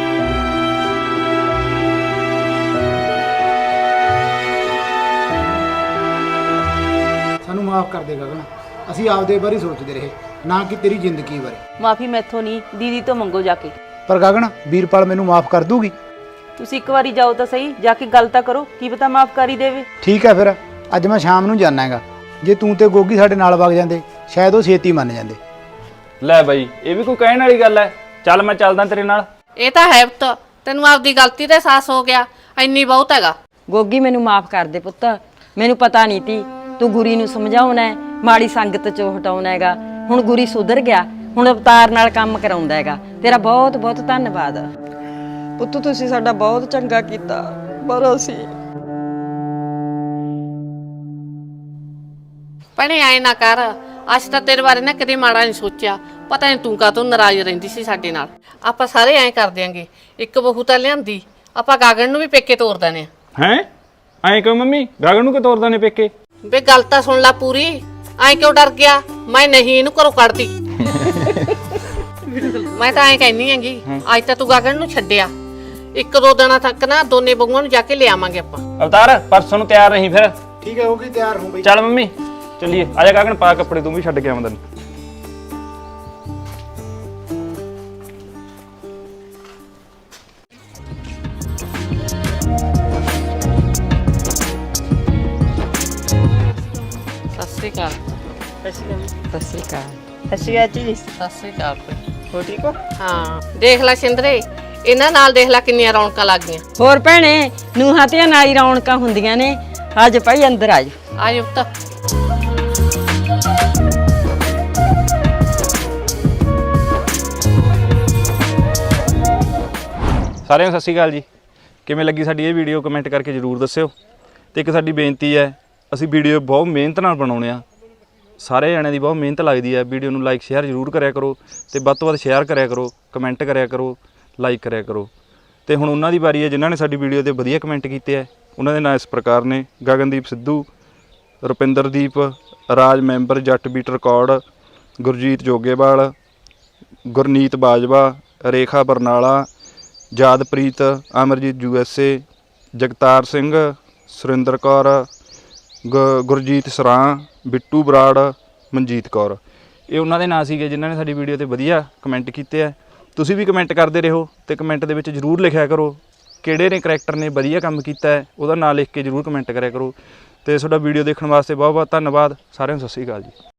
S5: ਸਾਨੂੰ ਮਾਫ ਕਰ ਦੇ ਗਗਨ, ਅਸੀਂ ਆਪਦੇ ਬਾਰੇ ਸੋਚਦੇ ਰਹੇ, ਨਾ ਕਿ ਤੇਰੀ ਜ਼ਿੰਦਗੀ ਬਾਰੇ।
S11: ਮਾਫੀ ਮੈਥੋਂ ਨਹੀਂ, ਦੀਦੀ ਤੋਂ ਮੰਗੋ ਜਾ ਕੇ।
S5: ਪਰ ਗਗਨ ਵੀਰਪਾਲ ਮੈਨੂੰ ਮਾਫ ਕਰ ਦੂਗੀ?
S11: ਤੁਸੀਂ ਇੱਕ ਵਾਰੀ ਜਾਓ ਤਾਂ ਸਹੀ, ਜਾ ਕੇ ਗੱਲ ਤਾਂ ਕਰੋ, ਕੀ ਪਤਾ ਮਾਫ ਕਰ ਹੀ ਦੇਵੇ।
S5: ਠੀਕ ਹੈ, ਫਿਰ ਅੱਜ ਮੈਂ ਸ਼ਾਮ ਨੂੰ ਜਾਣਾ ਹੈਗਾ। ਜੇ ਤੂੰ ਤੇ ਗੋਗੀ ਸਾਡੇ ਨਾਲ ਵਗ ਜਾਂਦੇ ਸ਼ਾਇਦ ਉਹ ਛੇਤੀ ਮੰਨ ਜਾਂਦੇ।
S9: ਲੈ ਬਾਈ, ਇਹ ਵੀ ਕੋਈ ਕਹਿਣ ਵਾਲੀ ਗੱਲ ਹੈ? ਚੱਲ ਮੈਂ ਚੱਲਦਾ ਤੇਰੇ ਨਾਲ।
S8: ਇਹ ਤਾਂ ਹੈ ਪੁੱਤ, ਤੈਨੂੰ ਆਪਦੀ ਗਲਤੀ ਦਾ ਅਹਿਸਾਸ ਹੋ ਗਿਆ, ਇੰਨੀ ਬਹੁਤ ਹੈਗਾ।
S1: ਗੋਗੀ ਮੈਨੂੰ ਮਾਫ ਕਰ ਦੇ ਪੁੱਤ, ਮੈਨੂੰ ਪਤਾ ਨਹੀਂ ਤੀ ਤੂੰ ਗੁਰੀ ਨੂੰ ਸਮਝਾਉਣਾ ਹੈ, ਮਾੜੀ ਸੰਗਤ ਚੋਂ ਹਟਾਉਣਾ ਹੈਗਾ। ਹੁਣ ਗੁਰੀ ਸੁਧਰ ਗਿਆ, ਹੁਣ ਅਵਤਾਰ ਨਾਲ ਕੰਮ ਕਰਾਉਂਦਾ ਹੈਗਾ। ਤੇਰਾ ਬਹੁਤ ਬਹੁਤ ਧੰਨਵਾਦ ਪੁੱਤ, ਤੁਸੀਂ ਸਾਡਾ ਬਹੁਤ ਚੰਗਾ ਕੀਤਾ। ਪਰ ਅਸੀਂ
S8: ਭੈਣੇ ਆਏ ਨਾ ਕਰ, ਅੱਜ ਤਾਂ ਤੇਰੇ ਬਾਰੇ ਨਾ ਕਦੇ ਮਾੜਾ ਨਹੀਂ ਸੋਚਿਆ। ਪਤਾ ਨਹੀਂ ਤੂੰ ਕਾਹਤੋਂ ਨਾਰਾਜ਼ ਰਹਿੰਦੀ ਸੀ ਸਾਡੇ ਨਾਲ। ਆਪਾਂ ਸਾਰੇ ਐਂ ਕਰ ਦਿਆਂਗੇ, ਇੱਕ ਬਹੂ ਤਾਂ ਲਿਆਂਦੀ, ਆਪਾਂ ਗਾਗਣ ਨੂੰ ਵੀ ਪੇਕੇ ਤੋਰ ਦਨੇ ਆ।
S9: ਹੈਂ? ਐਂ ਕਿਉਂ ਮੰਮੀ? ਗਗਨ ਨੂੰ ਕਿ ਤੋਰਦਾ ਨੇ ਪੇਕੇ?
S8: ਵੇ ਗੱਲ ਤਾਂ ਸੁਣ ਲੈ ਪੂਰੀ, ਐਂ ਕਿਉਂ ਡਰ ਗਿਆ? ਮੈਂ ਨਹੀਂ ਇਹਨੂੰ ਘਰੋਂ ਕੱਢਦੀ। ਮੈਂ ਤਾਂ ਐਂ ਕਹਿੰਦੀ ਹੈਗੀ, ਅੱਜ ਤਾਂ ਤੂੰ ਗਾਗਣ ਨੂੰ ਛੱਡਿਆ, ਇੱਕ ਦੋ ਦਿਨਾਂ ਤੱਕ ਨਾ ਦੋਨੇ ਬਹੂਆਂ ਨੂੰ ਜਾ ਕੇ ਲਿਆਵਾਂਗੇ ਆਪਾਂ।
S9: ਅਵਤਾਰ ਪਰਸੋਂ ਨੂੰ ਤਿਆਰ ਰਹੀ ਫਿਰ।
S5: ਠੀਕ ਹੈ, ਹੋ ਗਈ ਤਿਆਰ ਹੋ ਬਈ।
S9: ਚੱਲ ਮੰਮੀ ਚੱਲੀਏ, ਆ ਜਾ ਗਗਨ, ਪਾ ਕੱਪੜੇ, ਤੂੰ ਵੀ ਛੱਡ ਕੇ ਆਵਾਂ ਤੈਨੂੰ।
S8: ਸਤਿ ਸ੍ਰੀ ਅਕਾਲ।
S1: ਸਤਿ ਸ਼੍ਰੀ ਅਕਾਲ।
S8: ਸਤਿ ਸ੍ਰੀ ਅਕਾਲ। ਹੋ ਠੀਕ ਹੋ? ਹਾਂ, ਦੇਖ ਲੈ ਸਿੰਦਰੇ, ਇਹਨਾਂ ਨਾਲ ਦੇਖ ਲੈ ਕਿੰਨੀਆਂ ਰੌਣਕਾਂ ਲੱਗ ਗਈਆਂ।
S1: ਹੋਰ ਭੈਣੇ, ਨੂੰਹਾਂ ਧੀਆਂ ਨਾਲ ਹੀ ਰੌਣਕਾਂ ਹੁੰਦੀਆਂ ਨੇ। ਅੱਜ ਭਾਈ ਅੰਦਰ ਆ ਜਾ।
S8: ਆ ਜਾ ਪੁੱਤ।
S9: ਸਾਰਿਆਂ ਨੂੰ ਸਤਿ ਸ਼੍ਰੀ ਅਕਾਲ ਜੀ। ਕਿਵੇਂ ਲੱਗੀ ਸਾਡੀ ਇਹ ਵੀਡੀਓ ਕਮੈਂਟ ਕਰਕੇ ਜ਼ਰੂਰ ਦੱਸਿਓ। ਤੇ ਇੱਕ ਸਾਡੀ ਬੇਨਤੀ ਹੈ, ਅਸੀਂ ਵੀਡੀਓ ਬਹੁਤ ਮਿਹਨਤ ਨਾਲ ਬਣਾਉਂਦੇ ਆ, ਸਾਰੇ ਜਣਿਆਂ ਦੀ ਬਹੁਤ ਮਿਹਨਤ ਲੱਗਦੀ ਹੈ। ਵੀਡੀਓ ਨੂੰ ਲਾਈਕ ਸ਼ੇਅਰ ਜ਼ਰੂਰ ਕਰਿਆ ਕਰੋ, ਤੇ ਵੱਧ ਤੋਂ ਵੱਧ ਸ਼ੇਅਰ ਕਰਿਆ ਕਰੋ, ਕਮੈਂਟ ਕਰਿਆ ਕਰੋ, ਲਾਈਕ ਕਰਿਆ ਕਰੋ। ਤੇ ਹੁਣ ਉਹਨਾਂ ਦੀ ਵਾਰੀ ਹੈ ਜਿਨ੍ਹਾਂ ਨੇ ਸਾਡੀ ਵੀਡੀਓ ਤੇ ਵਧੀਆ ਕਮੈਂਟ ਕੀਤੇ ਹੈ। ਉਹਨਾਂ ਦੇ ਨਾਂ ਇਸ ਪ੍ਰਕਾਰ ਨੇ: Gagandeep Sidhu, Rupinderdeep, Raj member, Jatt beat record, Gurjeet Jogewal, Gurneet Bajwa, Rekha Barnala, Jadpreet, Amarjeet USA, Jagtar Singh, Surinder Kaur, Gurjeet Saran, Bittu Brar, Manjeet Kaur. ਇਹ ਉਹਨਾਂ ਦੇ ਨਾਂ ਸੀਗੇ ਜਿਨ੍ਹਾਂ ਨੇ ਸਾਡੀ ਵੀਡੀਓ ਤੇ ਵਧੀਆ ਕਮੈਂਟ ਕੀਤੇ ਆ। ਤੁਸੀਂ ਵੀ ਕਮੈਂਟ ਕਰਦੇ ਰਹੋ, ਤੇ ਕਮੈਂਟ ਦੇ ਵਿੱਚ ਜ਼ਰੂਰ ਲਿਖਿਆ ਕਰੋ ਕਿਹੜੇ ਨੇ ਕਰੈਕਟਰ ਨੇ ਵਧੀਆ ਕੰਮ ਕੀਤਾ ਹੈ, ਉਹਦਾ ਨਾਂ ਲਿਖ ਕੇ ਜ਼ਰੂਰ ਕਮੈਂਟ ਕਰਿਆ ਕਰੋ। ਤੇ ਤੁਹਾਡਾ ਵੀਡੀਓ ਦੇਖਣ ਵਾਸਤੇ ਬਹੁਤ ਬਹੁਤ ਧੰਨਵਾਦ। ਸਾਰਿਆਂ ਨੂੰ ਸਤਿ ਸ਼੍ਰੀ ਅਕਾਲ ਜੀ।